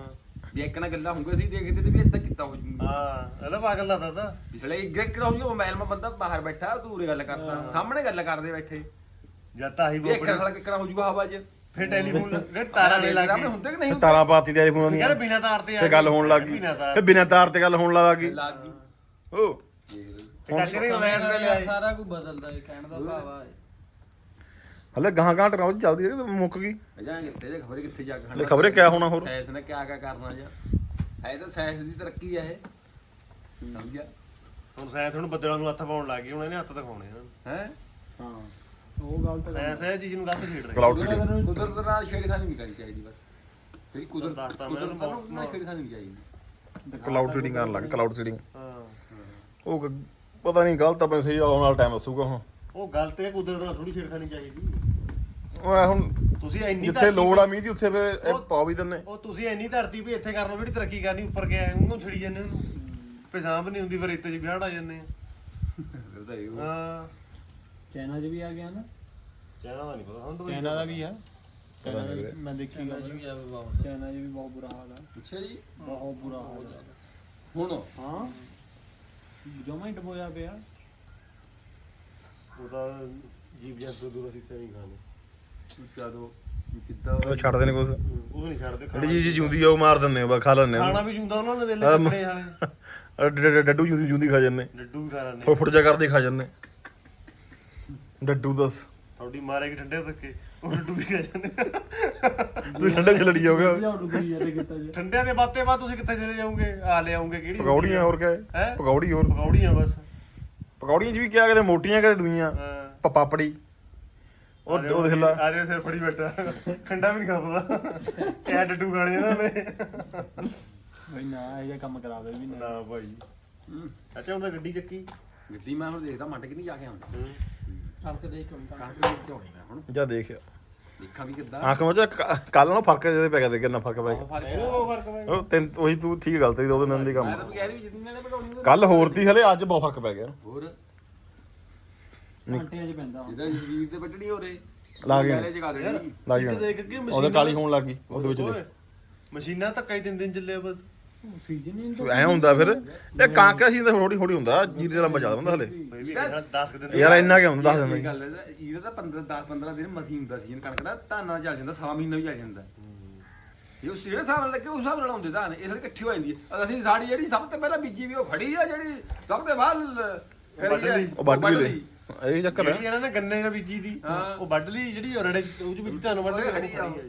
Speaker 2: ਵੀ ਇੱਕ ਨਾ ਗੱਲਾਂ ਹੁੰਗੇ ਸੀ ਦੇਖਦੇ ਤੇ ਵੀ ਇਦਾਂ ਕੀਤਾ ਹੋ ਜੂਗਾ
Speaker 1: ਹਾਂ ਇਹਦਾ ਪਾਗਲ ਲੱਗਦਾ ਤਾਂ
Speaker 2: ਪਿਛਲੇ ਗ੍ਰੇਕੜਾ ਹੋ ਜੂ ਮੋਬਾਈਲ ਮਾ ਬੰਦਾ ਬਾਹਰ ਬੈਠਾ ਦੂਰੇ ਗੱਲ ਕਰਦਾ ਸਾਹਮਣੇ ਗੱਲ ਕਰਦੇ ਬੈਠੇ
Speaker 1: ਜਦ ਤਾਂ ਆਹੀ
Speaker 2: ਵੀ ਇੱਕ
Speaker 1: ਬੋਪੜੀ
Speaker 2: ਖੜਾ ਕਿੱਕੜਾ ਹੋ ਜੂਗਾ ਹਵਾ 'ਚ
Speaker 1: ਫਿਰ ਟੈਲੀਫੋਨ ਲੱਗੇ ਤਾਰਾਂ ਦੇ ਲੱਗ
Speaker 2: ਸਾਹਮਣੇ
Speaker 1: ਗਏ
Speaker 2: ਹੁੰਦੇ ਕਿ ਨਹੀਂ ਹੁੰਦੇ
Speaker 4: ਤਾਰਾਂ ਪਾਤੀ ਤੇ ਫੋਨਾਂ ਦੀਆਂ
Speaker 1: ਯਾਰ ਬਿਨਾ ਤਾਰ ਤੇ ਆ
Speaker 4: ਤੇ ਗੱਲ ਹੋਣ ਲੱਗ ਗਈ
Speaker 1: ਬਿਨਾਂ ਤਾਰ
Speaker 4: ਫਿਰ ਬਿਨਾਂ ਤਾਰ ਤੇ ਗੱਲ ਹੋਣ ਲੱਗ ਗਈ
Speaker 2: ਲੱਗ ਗਈ
Speaker 4: ਓ
Speaker 2: ਦੇਖ ਲਓ
Speaker 1: ਤੇ ਚਾਚੇ ਨੇ ਲੈਸ ਤੇ ਲਿਆਏ
Speaker 5: ਸਾਰਾ ਕੁਝ ਬਦਲਦਾ ਏ ਕਹਿਣ ਦਾ ਭਾਵ ਆ
Speaker 4: ਹਲੇ ਗਾਂ ਗਾਂ ਟਰਾਉ ਚੱਲਦੀ ਹੈ ਕਿ ਮੁੱਕ ਗਈ
Speaker 2: ਅਜਾਂ ਕਿੱਥੇ ਜੇ ਖਬਰੇ ਕਿੱਥੇ ਜਾ ਕੇ
Speaker 4: ਹਲੇ ਖਬਰੇ ਕਿਆ ਹੋਣਾ ਹੋਰ
Speaker 2: ਸਾਇੰਸ ਨੇ ਕਿਆ ਕਰਨਾ ਜਾਂ ਹੈ ਤਾਂ ਸਾਇੰਸ ਦੀ ਤਰੱਕੀ ਆ ਇਹ ਸਮਝਿਆ
Speaker 1: ਹੁਣ ਸਾਇੰਸ ਹੁਣ ਬੱਦਲਾਂ ਨੂੰ ਹੱਥ ਪਾਉਣ ਲੱਗ ਗਈ ਹੁਣ ਇਹਨੇ ਹੱਥ ਦਿਖਾਉਣੇ ਹਨ
Speaker 2: ਹੈ
Speaker 3: ਹਾਂ ਉਹ ਗੱਲ ਤਾਂ
Speaker 1: ਸਾਇੰਸ ਇਹ ਚੀਜ਼ ਨੂੰ ਗਲਤ ਛੇੜ ਰਹੀ
Speaker 4: ਕਲਾਉਡ ਸਿਟੀ
Speaker 2: ਕੁਦਰਤ ਨਾਲ ਛੇੜਖਾਨੀ ਨਹੀਂ ਕਰਨੀ ਚਾਹੀਦੀ ਬਸ ਜਿਹੜੀ ਕੁਦਰਤ
Speaker 1: ਦੱਸਤਾ ਮੈਂ
Speaker 2: ਕੁਦਰਤ ਨਾਲ ਛੇੜਖਾਨੀ ਨਹੀਂ ਚਾਹੀਦੀ
Speaker 4: ਕਲਾਉਡ ਸੀਡਿੰਗ ਕਰਨ ਲੱਗ ਕਲਾਉਡ ਸੀਡਿੰਗ
Speaker 1: ਹਾਂ
Speaker 4: ਉਹ ਪਤਾ ਨਹੀਂ ਗਲਤ ਆਪਣੇ ਸਹੀ ਆਉਣ ਵਾਲਾ ਟਾਈਮ ਦੱਸੂਗਾ ਹੁਣ
Speaker 1: ਉਹ ਗਲਤ ਹੈ ਕੁਦਰਤ ਨਾਲ ਥੋੜੀ ਛੇੜਖਾਨੀ ਚਾਹੀਦੀ
Speaker 4: ਉਹ ਐ ਹੁਣ
Speaker 1: ਤੁਸੀਂ ਇੰਨੀ
Speaker 4: ਜਿੱਥੇ
Speaker 1: ਧਰਤੀ
Speaker 4: ਲੋੜ ਆ ਮੀਂਹ ਦੀ ਉੱਥੇ ਫਿਰ ਇਹ ਪਾ ਵੀ ਦਿੰਨੇ
Speaker 1: ਉਹ ਤੁਸੀਂ ਇੰਨੀ ਧਰਤੀ ਵੀ ਇੱਥੇ ਕਰ ਲਓ ਜਿਹੜੀ ਤਰੱਕੀ ਕਰਨੀ ਉੱਪਰ ਗਿਆ ਉਹਨੂੰ ਛੜੀ ਜਾਂਦੇ ਉਹਨੂੰ ਪੇਸ਼ਾਬ ਨਹੀਂ ਹੁੰਦੀ ਫਿਰ ਇੱਥੇ 'ਚ ਵਿਆੜ ਆ ਜਾਂਦੇ ਆ ਹਾਂ
Speaker 3: ਚਾਈਨਾ 'ਚ ਵੀ ਆ ਗਿਆ ਨਾ
Speaker 1: ਚਾਈਨਾ ਦਾ ਨਹੀਂ ਪਤਾ ਹੁਣ ਤਾਂ
Speaker 3: ਚਾਈਨਾ ਦਾ ਵੀ ਆ ਚਾਈਨਾ ਦਾ ਵੀ ਮੈਂ ਦੇਖੀ ਗੱਲ
Speaker 5: ਵੀ ਆ ਬਾਬਾ
Speaker 3: ਚਾਈਨਾ 'ਚ ਵੀ ਬਹੁਤ ਬੁਰਾ ਹਾਲ ਆ
Speaker 2: ਅੱਛਾ ਜੀ
Speaker 3: ਬਹੁਤ ਬੁਰਾ ਹਾਲ ਆ
Speaker 2: ਹੁਣ
Speaker 3: ਹਾਂ ਜਮਾ ਹੀ ਡਬੋਇਆ ਪਿਆ
Speaker 1: ਉਹਦਾ ਜੀਵ ਜੰਤੂ ਦੂਰ ਅਸੀਂ ਤੇ ਨਹੀਂ ਖਾਣੇ
Speaker 2: ਚਲੋ ਕਿੱਦਾਂ
Speaker 4: ਉਹ ਛੱਡਦੇ ਨੇ ਕੁਛ
Speaker 1: ਉਹ ਨਹੀਂ ਛੱਡਦੇ
Speaker 4: ਜਿਹੜੀ ਚੀਜ਼ ਜਿਉਂਦੀ ਆ ਉਹ ਮਾਰ ਦਿੰਦੇ ਆ ਖਾ ਲੈਂਦੇ
Speaker 1: ਖਾਣਾ
Speaker 4: ਆ
Speaker 1: ਵੀ ਜੁੰਦਾ ਉਹਨਾਂ ਨੇ ਦੇ ਲੈ ਕੱਪੜੇ ਵਾਲੇ
Speaker 4: ਡੱਡੂ ਜਿਉਂਦੀ ਖਾ ਜਾਂਦੇ
Speaker 1: ਲੱਡੂ ਵੀ ਖਾ ਲੈਂਦੇ
Speaker 4: ਫੁੱਟ ਜਾ ਕਰਦੇ ਖਾ ਜਾਂਦੇ ਡੱਡੂ ਦੱਸ
Speaker 1: ਥੋੜੀ ਮਾਰੇਗੀ ਠੰਡੇ ਧੱਕੇ ਉਹ ਲੱਡੂ ਵੀ ਖਾ ਜਾਂਦੇ
Speaker 4: ਤੂੰ ਠੰਡੇ ਚ ਲੜੀ ਜਾਓਗੇ
Speaker 3: ਲਿਆਉ ਡੁੱਬੀ ਜਾਂਦੇ ਕਿੱਤਾ ਜੀ
Speaker 1: ਠੰਡਿਆਂ ਦੇ ਬਾਤੇ ਬਾਅਦ ਤੁਸੀਂ ਕਿੱਥੇ ਚਲੇ ਜਾਓਗੇ ਆ ਲੈ ਆਉਂਗੇ ਕਿਹੜੀ
Speaker 4: ਪਕੌੜੀਆਂ ਹੋਰ ਕਿਆ ਹੈ
Speaker 1: ਹੈਂ?
Speaker 4: ਪਕੌੜੀ ਹੋਰ
Speaker 1: ਪਕੌੜੀਆਂ ਬਸ
Speaker 4: ਪਕੌੜੀਆਂ ਚ ਵੀ ਕਿਆ ਕਦੇ ਮੋਟੀਆਂ ਕਦੇ ਦੂਈਆਂ
Speaker 1: ਹਾਂ
Speaker 4: ਪਾਪੜੀ ਉਹ ਦੇਖ ਲਾ
Speaker 1: ਆ ਰਿਹਾ ਸਿਰ ਫੜੀ ਬੈਠਾ ਠੰਡਾ ਵੀ ਨਹੀਂ ਖਾਪਦਾ ਕਿਆ ਡੱਡੂ ਖਾਣੇ ਇਹਨਾਂ ਨੇ
Speaker 3: ਬਈ ਨਾ ਇਹ ਜਿਹਾ ਕੰਮ ਕਰਾਵੇ ਵੀ ਨਾ
Speaker 1: ਨਾ ਭਾਈ ਅੱਛਾ ਹੁਣ ਤਾਂ ਗੱਡੀ ਚੱਕੀ
Speaker 2: ਗੱਡੀ ਮੈਂ ਹੁਣ ਦੇਖਦਾ ਮੰਡ ਕਿ ਨਹੀਂ ਜਾ ਕੇ ਆਉਂਦਾ
Speaker 5: ਕਣਕ ਦੇ ਕੰਮ
Speaker 2: ਕਣਕ ਨੂੰ ਝੋਣੀ ਮੈਂ ਹੁਣ
Speaker 4: ਜਾ ਦੇਖਿਆ
Speaker 2: ਦੇਖਾਂ ਵੀ ਕਿੱਦਾਂ
Speaker 4: ਆਂਖ ਵਿੱਚ ਕੱਲ ਨਾਲੋਂ ਫਰਕ ਜਿਹਦੇ ਪੈ ਗਿਆ ਤੇ ਕਿੰਨਾ ਫਰਕ ਪੈ ਗਿਆ
Speaker 1: ਇਹਨੂੰ ਫਰਕ ਪੈ
Speaker 4: ਉਹ ਤਿੰਨ ਉਹੀ ਤੂੰ ਠੀਕ ਗੱਲ ਤੇ ਉਹਦੇ ਨਾਲ ਦੀ
Speaker 2: ਮੈਂ
Speaker 4: ਕੰਮ
Speaker 2: ਤਾਂ ਕਹਿ ਰਹੀ ਵੀ ਜਿੰਨੇ ਨੇ ਬਣਾਉਣੀ
Speaker 4: ਕੱਲ ਹੋਰ ਤੀ ਹਲੇ ਅੱਜ ਬਹੁਤ ਫਰਕ ਪੈ ਗਿਆ
Speaker 2: ਹੋਰ
Speaker 3: ਘੰਟਿਆਂ 'ਚ ਪੈਂਦਾ
Speaker 2: ਜਿਹਦਾ ਜੀਵ ਤੇ ਵੱਢਣੀ ਹੋ ਰੇ
Speaker 4: ਲਾ ਗਏ
Speaker 2: ਪਹਿਲੇ ਜਗਾ ਦੇਣੀ
Speaker 4: ਲਾ
Speaker 1: ਇੱਧਰ
Speaker 4: ਗਏ
Speaker 1: ਦੇਖ ਕੇ
Speaker 4: ਉਹਦੇ ਕਾਲੀ ਹੋਣ ਲੱਗ ਗਈ ਉਹਦੇ ਵਿੱਚ
Speaker 1: ਓਏ, ਮਸ਼ੀਨਾਂ ਧੱਕਾ ਹੀ 3 ਦਿਨ ਚੱਲੇ ਬਸ
Speaker 3: ਸੀਜ਼ਨ ਹੀ
Speaker 4: ਦੇ ਐ ਹੁੰਦਾ ਫਿਰ ਇਹ ਕਾਂਕਾ ਸੀ ਤਾਂ ਥੋੜੀ ਥੋੜੀ ਹੁੰਦਾ ਜੀਰੇ ਦਾ ਲੰਬਾ ਜ਼ਿਆਦਾ ਹੁੰਦਾ ਹਲੇ
Speaker 1: ਬਈ ਵੀ 10 ਦਿਨ
Speaker 4: ਯਾਰ ਇੰਨਾ ਕਿ ਹੁੰਦਾ ਦੱਸ ਦਿੰਦਾ
Speaker 2: ਇਹ ਗੱਲ ਹੈ ਇਹਦਾ ਤਾਂ 10-15 ਦਿਨ ਮਸੀਂ ਹੁੰਦਾ ਸੀ ਕਣਕ ਦਾ ਧਾਨਾਂ ਚੱਲ ਜਾਂਦਾ 6 ਮਹੀਨਾ ਵੀ ਚੱਲ ਜਾਂਦਾ ਇਹ ਉਸ ਜਿਹੜੇ ਹਿਸਾਬ ਨਾਲ ਲੱਗੇ ਉਸ ਹਿਸਾਬ ਨਾਲ ਲਾਉਂਦੇ ਧਾਨ ਇਹ ਸਾਰੇ ਇਕੱਠੀ ਹੋ ਜਾਂਦੀ ਹੈ ਅਸੀਂ ਸਾਡੀ ਜਿਹੜੀ ਸਭ ਤੋਂ ਪਹਿਲਾਂ ਬੀਜੀ ਵੀ ਉਹ ਖੜੀ ਆ ਜਿਹੜੀ ਸਭ ਤੋਂ ਬਾਅਦ
Speaker 4: ਉਹ ਵੱਢ ਵੀ ਲਈ ਇਹ ਚੱਕਰ
Speaker 1: ਜਿਹੜੀ
Speaker 4: ਹੈ
Speaker 1: ਇਹਨਾਂ ਨੇ ਗੰਨੇ ਨਾਲ ਬੀਜੀ ਦੀ ਉਹ ਵੱਢ ਲਈ ਜਿਹੜੀ ਰੜੇ ਉਹ ਚ ਵਿੱਚ ਤੁਹਾਨੂੰ ਵੱਢ ਕੇ
Speaker 2: ਖੜੀ ਆ ਉਹ।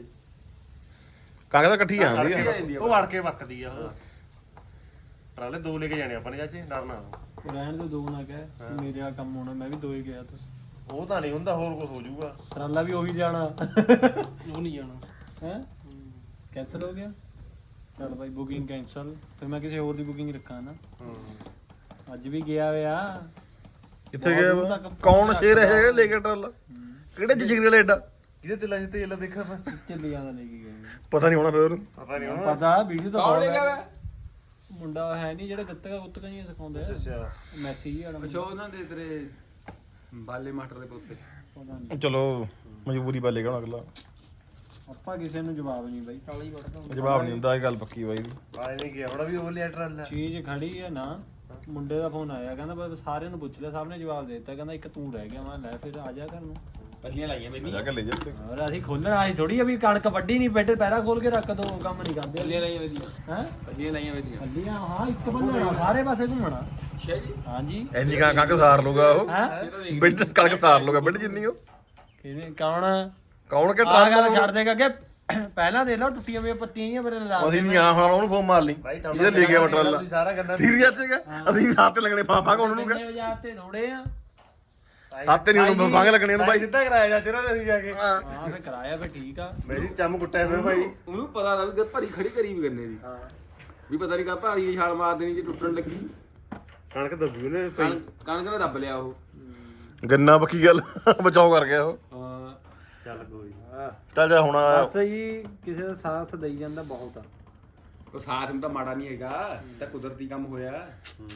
Speaker 4: ਕਾਂਕਾ ਤਾਂ ਇਕੱਠੀ ਆਉਂਦੀ
Speaker 2: ਇਕੱਠੀ
Speaker 4: ਆ
Speaker 2: ਆ ਜਾਂਦੀ ਆ
Speaker 1: ਉਹ ਵੜ ਕੇ ਵੱਕਦੀ ਆ ਉਹ ਟਰਾਲੇ 2 ਲੈ ਕੇ ਜਾਣੇ ਆਪਾਂ ਨੇ ਚਾਚੇ ਡਰਨਾ
Speaker 3: ਰਹਿਣ ਦੇ ਦੋ ਨਾ ਕਹਿ ਮੇਰੇ ਆ ਕੰਮ ਹੋਣਾ ਮੈਂ ਵੀ ਦੋ ਹੀ ਗਿਆ ਤਾਂ
Speaker 1: ਉਹ ਤਾਂ ਨਹੀਂ ਹੁੰਦਾ ਹੋਰ ਕੁਝ ਹੋ ਜਾਊਗਾ
Speaker 3: ਟਰਾਲਾ ਵੀ ਉਹੀ ਜਾਣਾ
Speaker 5: ਉਹ ਨਹੀਂ ਜਾਣਾ
Speaker 3: ਹੈ ਕੈਂਸਲ ਹੋ ਗਿਆ ਚਲ ਭਾਈ ਬੁਕਿੰਗ ਕੈਂਸਲ ਫਿਰ ਮੈਂ ਕਿਸੇ ਹੋਰ ਦੀ ਬੁਕਿੰਗ ਰੱਖਾਂ ਨਾ ਅੱਜ ਵੀ ਗਿਆ ਹੋਇਆ
Speaker 4: ਕਿੱਥੇ ਗਿਆ ਵਾ? ਕੌਣ ਸ਼ੇਰ ਹੈ ਜਿਹੜਾ ਲੈ ਕੇ ਟਰਾਲਾ ਕਿਹੜੇ ਜਿਗਰੇ ਵਾਲਾ ਏਡਾ
Speaker 1: ਕਿਹਦੇ ਤੇ ਲੱਜ ਤੇਲ ਦੇਖਾ ਮੈਂ
Speaker 3: ਚੱਲੀ ਜਾਂਦਾ ਲੈ ਕੇ ਗਏ
Speaker 4: ਪਤਾ ਨਹੀਂ ਹੋਣਾ ਫਿਰ ਉਹਨੂੰ
Speaker 1: ਪਤਾ ਨਹੀਂ ਹੁਣ
Speaker 3: ਪਤਾ ਵੀਡੀਓ ਤਾਂ
Speaker 2: ਕੌਣ ਲੈ
Speaker 3: ਬਹੁਤ
Speaker 2: ਗਿਆ
Speaker 3: ਹੈ। ਮੁੰਡਾ ਹੈ ਨਹੀਂ ਜਿਹੜਾ ਗੱਤਕਾ ਗੁੱਤਕਾ ਹੀ ਸਿਖਾਉਂਦਾ ਹੈ
Speaker 1: ਅੱਛਾ
Speaker 3: ਮੈਸੇਜ ਹੀ ਆਣਾ
Speaker 2: ਅੱਛਾ ਉਹਨਾਂ ਦੇ ਤੇਰੇ ਬਾਲੇ ਮਾਸਟਰ ਦੇ ਪੁੱਤੇ
Speaker 3: ਪਤਾ ਨਹੀਂ
Speaker 4: ਚਲੋ ਮਜਬੂਰੀ ਬਾਲੇ ਕਹਣਾ ਅਗਲਾ
Speaker 3: ਆਪਾਂ ਕਿਸੇ ਨੂੰ ਜਵਾਬ ਨਹੀਂ ਬਾਈ
Speaker 5: ਕਾਲੀ ਵੜਦਾ
Speaker 4: ਜਵਾਬ ਨਹੀਂ ਹੁੰਦਾ ਇਹ ਗੱਲ ਪੱਕੀ ਬਾਈ ਦੀ
Speaker 1: ਵਾਲੇ ਨੇ ਗਿਆ ਬੜਾ ਵੀ ਉਹ ਲਿਆ ਟਰਾਲਾ
Speaker 3: ਚੀਜ਼ ਖੜੀ ਹੈ ਨਾ ਮੁੰਡੇ ਦਾ ਫੋਨ ਆਇਆ ਕਹਿੰਦਾ ਬਸ ਸਾਰਿਆਂ ਨੂੰ ਪੁੱਛ ਲਿਆ ਸਭ ਨੇ ਜਵਾਬ ਦੇ ਦਿੱਤਾ ਕਹਿੰਦਾ ਇੱਕ ਤੂੰ ਰਹਿ ਗਿਆ ਮੈਂ ਲੈ ਫਿਰ ਆ ਜਾ ਘਰ ਨੂੰ
Speaker 2: ਪੱਲੀਆਂ ਲਾਈਆਂ
Speaker 4: ਜਾ
Speaker 2: ਮੈਨੇ
Speaker 4: ਕੇ ਲੈ ਜਾ ਤੇ
Speaker 3: ਹੋਰ ਅਸੀਂ ਖੋਲਣਾ ਅਸੀਂ ਥੋੜੀ ਆ ਵੀ ਕਣਕ ਵੱਢੀ ਨਹੀਂ ਬੈਠੇ ਪੈਰਾ ਖੋਲ ਕੇ ਰੱਖ ਦੋ ਕੰਮ ਨਹੀਂ ਕਰਦੇ
Speaker 2: ਪੱਲੀਆਂ ਲਾਈਆਂ ਵਧੀਆ
Speaker 3: ਹੈ
Speaker 2: ਪੱਲੀਆਂ ਲਾਈਆਂ ਵਧੀਆ
Speaker 3: ਅੱਲੀਆਂ ਹਾਂ ਇੱਕ ਬੰਨਣਾ ਸਾਰੇ ਪਾਸੇ ਘੁੰਮਣਾ
Speaker 2: ਅੱਛਾ ਜੀ
Speaker 3: ਹਾਂਜੀ
Speaker 4: ਐਨੀ ਕਣਕ ਸਾਰ ਲੂਗਾ ਉਹ
Speaker 3: ਹੈ
Speaker 4: ਬਿੱਡ ਕਣਕ ਸਾਰ ਲੂਗਾ ਬਿੱਡ ਜਿੰਨੀ ਉਹ
Speaker 3: ਕਿਹਨੇ ਕੌਣ
Speaker 4: ਕੌਣ ਕਿ
Speaker 3: ਆ ਗੱਲ
Speaker 4: ਟਰਾਲਾ
Speaker 3: ਛੱਡ ਦੇਗਾ ਕਿ ਪਹਿਲਾਂ ਦੇ ਲਓ ਟੁੱਟੀਆਂ ਹੋਈਆਂ ਪੱਤੀਆਂ ਹੀ ਮੇਰੇ ਲਾ
Speaker 4: ਅਸੀਂ ਨਹੀਂ ਆ ਹੁਣ ਉਹਨੂੰ ਫੋਨ ਮਾਰ ਲਈ
Speaker 1: ਭਾਈ
Speaker 4: ਇਹਦੇ ਲੈ ਗਿਆ ਟਰਾਲਾ
Speaker 1: ਤੁਸੀਂ ਸਾਰਾ ਗੰਨਾ
Speaker 4: ਸੀਰੀਅਸ ਹੈਗਾ ਅਸੀਂ ਸਾਥ ਤੇ ਲੱਗਣੇ ਫਾਫਾ ਕੋਣ ਨੂੰ
Speaker 3: ਕਿੰਨੇ ਵਜੇ ਤੇ ਥੋੜੇ ਆ
Speaker 4: ਸਾਥ ਤੇ ਨਹੀਂ ਉਹਨੂੰ ਫਾਂਗ ਲੱਗਣੇ ਨੂੰ
Speaker 1: ਭਾਈ
Speaker 4: ਭਾਈ
Speaker 1: ਸਿੱਧਾ ਕਰਾਇਆ ਜਾ ਚਿਹਰਾ ਅਸੀਂ ਜਾ ਕੇ
Speaker 3: ਹਾਂ ਫੇ ਕਰਾਇਆ ਫੇ ਠੀਕ ਆ
Speaker 1: ਮੇਰੀ ਚੰਮ ਕੁੱਟਿਆ ਪਿਆ ਭਾਈ
Speaker 2: ਉਹਨੂੰ ਪਤਾ ਤਾਂ ਵੀ ਭਰੀ ਖੜੀ ਕਰੀ ਵੀ ਗੰਨੇ ਦੀ ਵੀ ਪਤਾ ਨਹੀਂ ਕਾ ਭਾਰੀ ਦੀ ਛਾਲ ਮਾਰ ਦੇਣੀ ਜੇ ਟੁੱਟਣ ਲੱਗੀ
Speaker 1: ਕਣਕ ਦੱਬੀ ਉਹਨੇ ਭਾਈ
Speaker 2: ਕਣਕ ਨੇ ਦੱਬ ਲਿਆ ਉਹ
Speaker 4: ਗੰਨਾ ਪੱਕੀ ਗੱਲ ਬਚਾਓ ਕਰ ਗਿਆ ਉਹ
Speaker 2: ਹਾਂ
Speaker 1: ਚੱਲ ਕੋਈ
Speaker 4: ਚੱਲ ਜਾ ਹੁਣ
Speaker 3: ਬਸ ਜੀ ਕਿਸੇ ਦਾ ਸਾਥ ਦੇਈ ਜਾਂਦਾ ਬਹੁਤ ਆ
Speaker 2: ਉਹ ਸਾਥ ਨੂੰ ਤਾਂ ਮਾੜਾ ਨਹੀਂ ਹੈਗਾ ਤਾਂ ਕੁਦਰਤੀ ਕੰਮ ਹੋਇਆ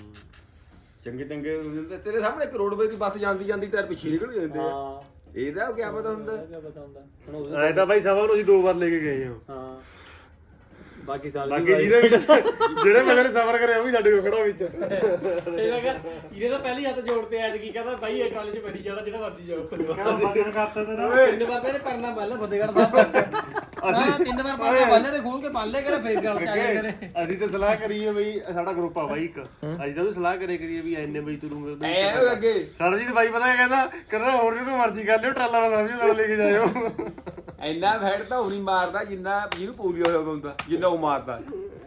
Speaker 2: ਚੰਗੇ ਚੰਗੇ ਤੇਰੇ ਸਾਹਮਣੇ ਇੱਕ ਰੋਡਵੇ ਦੀ ਬੱਸ ਜਾਂਦੀ ਜਾਂਦੀ ਟਾਇਰ ਪਿੱਛੇ ਨਿਕਲ ਜਾਂਦੇ ਆ
Speaker 3: ਹਾਂ
Speaker 2: ਇਹਦਾ ਕੀ ਪਤਾ ਹੁੰਦਾ
Speaker 3: ਕੀ ਪਤਾ ਹੁੰਦਾ ਹੁਣ
Speaker 1: ਐ ਤਾਂ ਭਾਈ ਸਭਾ ਨੂੰ ਅਸੀਂ 2 ਵਾਰ ਲੈ ਕੇ ਗਏ ਹਾਂ
Speaker 3: ਹਾਂ ਬਾਕੀ ਸਾਲ
Speaker 1: ਬਾਕੀ ਜਿਹਦੇ ਵਿੱਚ ਜਿਹੜੇ ਬੰਦੇ ਨੇ ਸਫ਼ਰ ਕਰਿਆ ਉਹ ਵੀ ਸਾਡੇ ਕੋਲ ਖੜਾ ਵਿੱਚ
Speaker 5: ਇਹਦਾ ਕਰ ਇਹਦੇ ਤਾਂ ਪਹਿਲੀ ਹੱਥ ਜੋੜਤੇ ਅੱਜ ਕੀ ਕਹਿੰਦਾ ਬਾਈ ਇਹ ਕਾਲਜ ਬੈਠੀ ਜਾਣਾ ਜਿਹੜਾ ਮਰਜੀ ਜਾਓ
Speaker 3: ਬਾਕੀ ਕਰਤਾ ਤੇ
Speaker 5: ਤਿੰਨ ਵਾਰ ਤੇ ਪਰਨਾ ਪਹਿਲਾਂ ਫਤਿਹਗੜ੍ਹ ਸਾਹਿਬ ਹਾਂ ਤਿੰਨ ਵਾਰ ਪਰਨਾ ਪਹਿਲੇ ਤੇ ਖੋਲ ਕੇ ਪੜ ਲੈ ਕਰੇ ਫੇਰ ਗੱਲ ਚਾਹੇ ਕਰੇ
Speaker 1: ਅਸੀਂ ਤਾਂ ਸਲਾਹ ਕਰੀਏ ਬਈ ਸਾਡਾ ਗਰੁੱਪ ਆ ਬਾਈ ਇੱਕ ਅਸੀਂ ਤਾਂ ਵੀ ਸਲਾਹ ਕਰੀਏ ਵੀ ਐਨੇ ਬਈ ਤੁਰੂਗੇ
Speaker 2: ਐ ਅੱਗੇ
Speaker 1: ਸਰਜੀਤ ਬਾਈ ਪਤਾ ਕਹਿੰਦਾ ਹੋਰ ਜੋ ਮਰਜ਼ੀ ਕਰ ਲਿਓ ਟਰਾਲਾ ਨਾਲ ਸਮਝੋ ਨਾਲ ਲੈ ਕੇ ਜਾਇਓ
Speaker 2: ਇੰਨਾ ਫੈਟ ਤਾਂ ਉਹ ਨਹੀਂ ਮਾਰਦਾ ਜਿੰਨਾ ਜਿਹਨੂੰ ਪੋਲੀਓ ਹੋਇਆ ਹੁੰਦਾ ਜਿੰਨਾ ਉਹ ਮਾਰਦਾ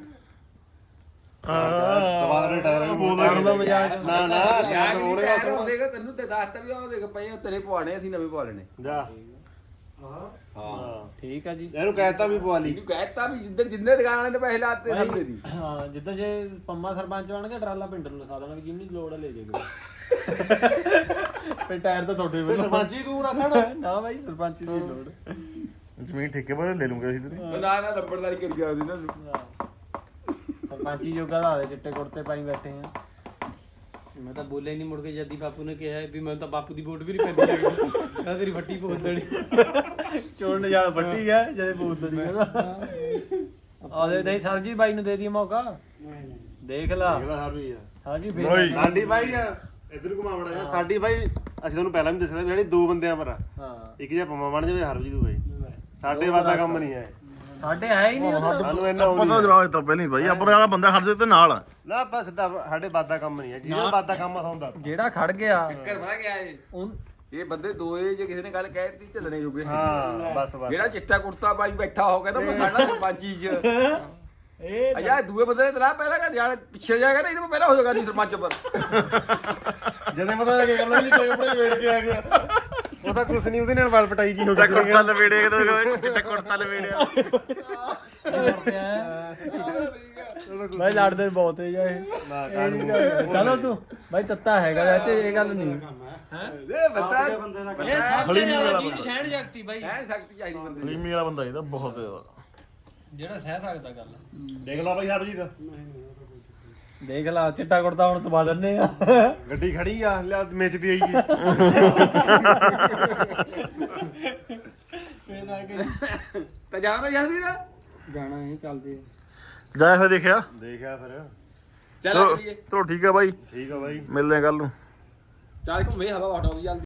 Speaker 1: ਦਵਾ ਦੇ ਟਾਇਰ
Speaker 3: ਦਾ ਮਜ਼ਾਕ
Speaker 1: ਨਾ ਨਾ
Speaker 2: ਯਾਰ
Speaker 1: ਉਹਨੇ
Speaker 2: ਉਹਨੇ ਉਹ ਦੇਗਾ ਤੈਨੂੰ ਤੇ ਦੱਸਤਾ ਵੀ ਉਹ ਦੇਖ ਪਏ ਤੇਰੇ ਪਵਾਣੇ ਅਸੀਂ ਨਵੇਂ ਪਵਾ ਲੈਣੇ
Speaker 1: ਜਾ
Speaker 2: ਹਾਂ
Speaker 3: ਠੀਕ ਆ ਜੀ
Speaker 1: ਇਹਨੂੰ ਕਹਿਤਾ ਵੀ ਪਵਾ ਲਈ
Speaker 2: ਇਹਨੂੰ ਕਹਿਤਾ ਵੀ ਜਿੰਨੇ ਦੁਕਾਨ ਵਾਲੇ ਨੇ ਪੈਸੇ ਲਾਤੇ ਸਭ ਦੇ ਦੀ
Speaker 3: ਹਾਂ ਜਿੱਦਾਂ ਜੇ ਪੰਮਾ ਸਰਪੰਚ ਬਣ ਗਿਆ ਟਰਾਲਾ ਪਿੰਡ ਨੂੰ ਲਿਖਾ ਦੇਣਾ ਵੀ ਜਿੰਨੀ ਲੋੜ ਆ ਲੈ ਜਾਏਗਾ ਫੇ ਟਾਇਰ ਤਾਂ ਤੁਹਾਡੇ ਵੱਲੋਂ
Speaker 1: ਸਰਪੰਚੀ ਤੂੰ ਰੱਖਣ
Speaker 3: ਨਾ ਬਾਈ ਸਰਪੰਚ ਦੀ ਲੋੜ
Speaker 4: ਜ਼ਮੀਨ ਠੇਕੇ ਪਰ ਲੈ ਲੂੰਗਾ ਅਸੀਂ ਤੇਰੀ
Speaker 2: ਨਾ ਨਾ ਨੰਬਰਦਾਰੀ ਕਰ ਗਿਆ ਉਹਦੀ ਨਾ
Speaker 3: ਸਰਪੰਚੀ ਜੋਗਾ ਦਾ ਚਿੱਟੇ ਕੁੜਤੇ ਪਾਈ ਬੈਠੇ ਆ
Speaker 5: ਮੈਂ ਤਾਂ ਬੋਲਿਆ ਨਹੀਂ ਮੁੜ ਕੇ ਜੱਦੀ ਬਾਪੂ ਨੇ ਕਿਹਾ ਵੀ ਮੈਨੂੰ ਤਾਂ ਬਾਪੂ ਦੀ ਵੋਟ ਵੀ ਨਹੀਂ ਪੈਂਦੀ ਹੈਗੀ ਕਹਿੰਦਾ ਤੇਰੀ ਫੱਟੀ ਪੋਦਣੀ
Speaker 3: ਚੋਣ ਨਜਾਲ ਵੱਡੀ ਆ ਜਦੇ ਬੂਤੜੀ ਕਹਿੰਦਾ ਆਦੇ ਨਹੀਂ ਸਰਜੀ ਬਾਈ ਨੂੰ ਦੇ ਦੀ ਮੌਕਾ ਦੇਖ ਲਾ
Speaker 1: ਅਗਲਾ ਹਰ ਵੀ ਆ
Speaker 3: ਹਾਂਜੀ
Speaker 4: ਨਹੀਂ।
Speaker 3: ਫੇਰ
Speaker 1: ਸਾਡੀ ਬਾਈ ਆ ਇਧਰ ਘੁਮਾਵੜਾ ਜਾ ਸਾਡੀ ਬਾਈ ਅਸੀਂ ਤੁਹਾਨੂੰ ਪਹਿਲਾਂ ਵੀ ਦੱਸਿਆ ਵੀ ਜਿਹੜੇ ਦੋ ਬੰਦਿਆਂ ਪਰ ਆ
Speaker 3: ਹਾਂ
Speaker 1: ਇੱਕ ਜੇ ਪੰਮਾ ਬਣ ਜਾਵੇ ਹਰਜੀਤ ਬਾਈ ਸਾਡੇ ਵਾਦਾ ਕੰਮ ਨਹੀਂ ਹੈ
Speaker 3: ਸਾਡੇ ਹੈ ਹੀ ਨਹੀਂ ਉਹ
Speaker 1: ਸਾਨੂੰ ਇਹਨਾਂ
Speaker 4: ਪਤਾ ਜਵਾਬ ਤਾਂ ਪਹਿਲਾਂ ਹੀ ਬਾਈ ਆਪਣਾ ਵਾਲਾ ਬੰਦਾ ਖੜਦੇ ਤੇ ਨਾਲ ਆ
Speaker 1: ਨਾ ਬਸ ਸਾਡੇ ਵਾਦਾ ਕੰਮ ਨਹੀਂ ਹੈ ਜਿਹਦਾ ਵਾਦਾ ਕੰਮ ਆ ਹੁੰਦਾ
Speaker 3: ਜਿਹੜਾ ਖੜ ਗਿਆ
Speaker 2: ਚੱਕਰ ਪਤਾ ਗਿਆ ਇਹ
Speaker 3: ਉਹ
Speaker 2: ਇਹ ਬੰਦੇ ਦੋਏ ਜੇ ਕਿਸੇ ਨੇ ਗੱਲ ਕਹਿ ਦਿੱਤੀ ਚੱਲਣੇ ਜੋਗੇ
Speaker 1: ਹਾਂ ਬਸ ਬਸ
Speaker 2: ਜਿਹੜਾ ਚਿੱਟਾ ਕੁੜਤਾ ਬਾਈ ਬੈਠਾ ਹੋ ਕਹਿੰਦਾ ਮੈਂ ਖੜਨਾ ਸਰਪੰਚੀ ਚ
Speaker 3: ਇਹ
Speaker 2: ਅਜਾ ਦੂਏ ਬੰਦੇ ਨੇ ਤਲਾ ਪਹਿਲਾਂ ਕਹਿੰਦਾ ਯਾਰ ਪਿੱਛੇ ਜਾਏਗਾ ਨਹੀਂ ਤਾਂ ਮੈਂ ਪਹਿਲਾਂ ਹੋ ਜਾਗਾ ਨਹੀਂ ਸਰਪੰਚ ਪਰ
Speaker 1: ਜਦੋਂ ਪਤਾ ਲੱਗੇ ਕਹਿੰਦਾ ਜੀ ਕੱਪੜੇ ਵੇੜ ਕੇ ਆ ਗਿਆ ਉਹ ਤਾਂ ਕੁਛ ਨਹੀਂ ਉਹਦੇ ਨਾਲ ਵਾਲ ਪਟਾਈ ਜੀ ਹੋ ਗਈ
Speaker 4: ਕੁੜਤਾ ਲਵੇੜਿਆ ਕਿਤੇ ਚਿੱਟਾ ਕੁੜਤਾ ਲਵੇੜਿਆ
Speaker 3: ਬਾਈ ਲੜਦੇ ਬਹੁਤ ਹੈ ਇਹ
Speaker 1: ਨਾ ਕਾਨੂੰ
Speaker 3: ਚਲੋ ਤੂੰ ਬਾਈ ਤੱਤਾ ਹੈਗਾ ਵੈਸੇ ਇਹ ਗੱਲ ਨਹੀਂ
Speaker 2: ਇਹ ਬੰਦਾ
Speaker 5: ਇਹ ਸਭ ਤੋਂ ਜ਼ਿਆਦਾ ਚੀਜ਼ ਸਹਿਣ ਸ਼ਕਤੀ ਬਾਈ
Speaker 2: ਕਹਿ ਸਕਤੀ ਚਾਹੀਦੀ ਬੰਦੇ
Speaker 4: ਹਲੀਮੀ ਵਾਲਾ ਬੰਦਾ ਇਹਦਾ ਬਹੁਤ ਜ਼ਿਆਦਾ
Speaker 5: ਜਿਹੜਾ ਸਹਿ ਸਕਦਾ ਗੱਲ
Speaker 1: ਦੇਖ ਲਾ ਬਾਈ ਹਰਜੀਤ
Speaker 3: ਦੇਖ ਲਾ ਚਿੱਟਾ ਕੁੜਤਾ ਹੁਣ ਤਵਾ ਦਿੰਨੇ ਆ
Speaker 1: ਗੱਡੀ ਖੜੀ ਆ ਲਿਆ ਮੇਚਦੀ ਆਈਏ
Speaker 2: ਤਾਂ ਜਾਣਾ ਤਾਂ ਜਾਂਦੀ ਨਾ
Speaker 5: ਜਾਣਾ ਹੈ ਚੱਲਦੇ
Speaker 4: ਜਾ ਫਿਰ ਦੇਖਿਆ
Speaker 1: ਦੇਖਿਆ ਫਿਰ
Speaker 2: ਚੱਲ ਕਰੀਏ
Speaker 4: ਚਲੋ ਠੀਕ ਆ ਬਾਈ
Speaker 1: ਠੀਕ ਆ ਬਾਈ
Speaker 4: ਮਿਲਦੇ ਆ ਕੱਲ ਨੂੰ
Speaker 2: ਚੱਲ ਘੁੰਮੇ ਹਵਾ ਵਾਟਾ ਦੀ ਚੱਲ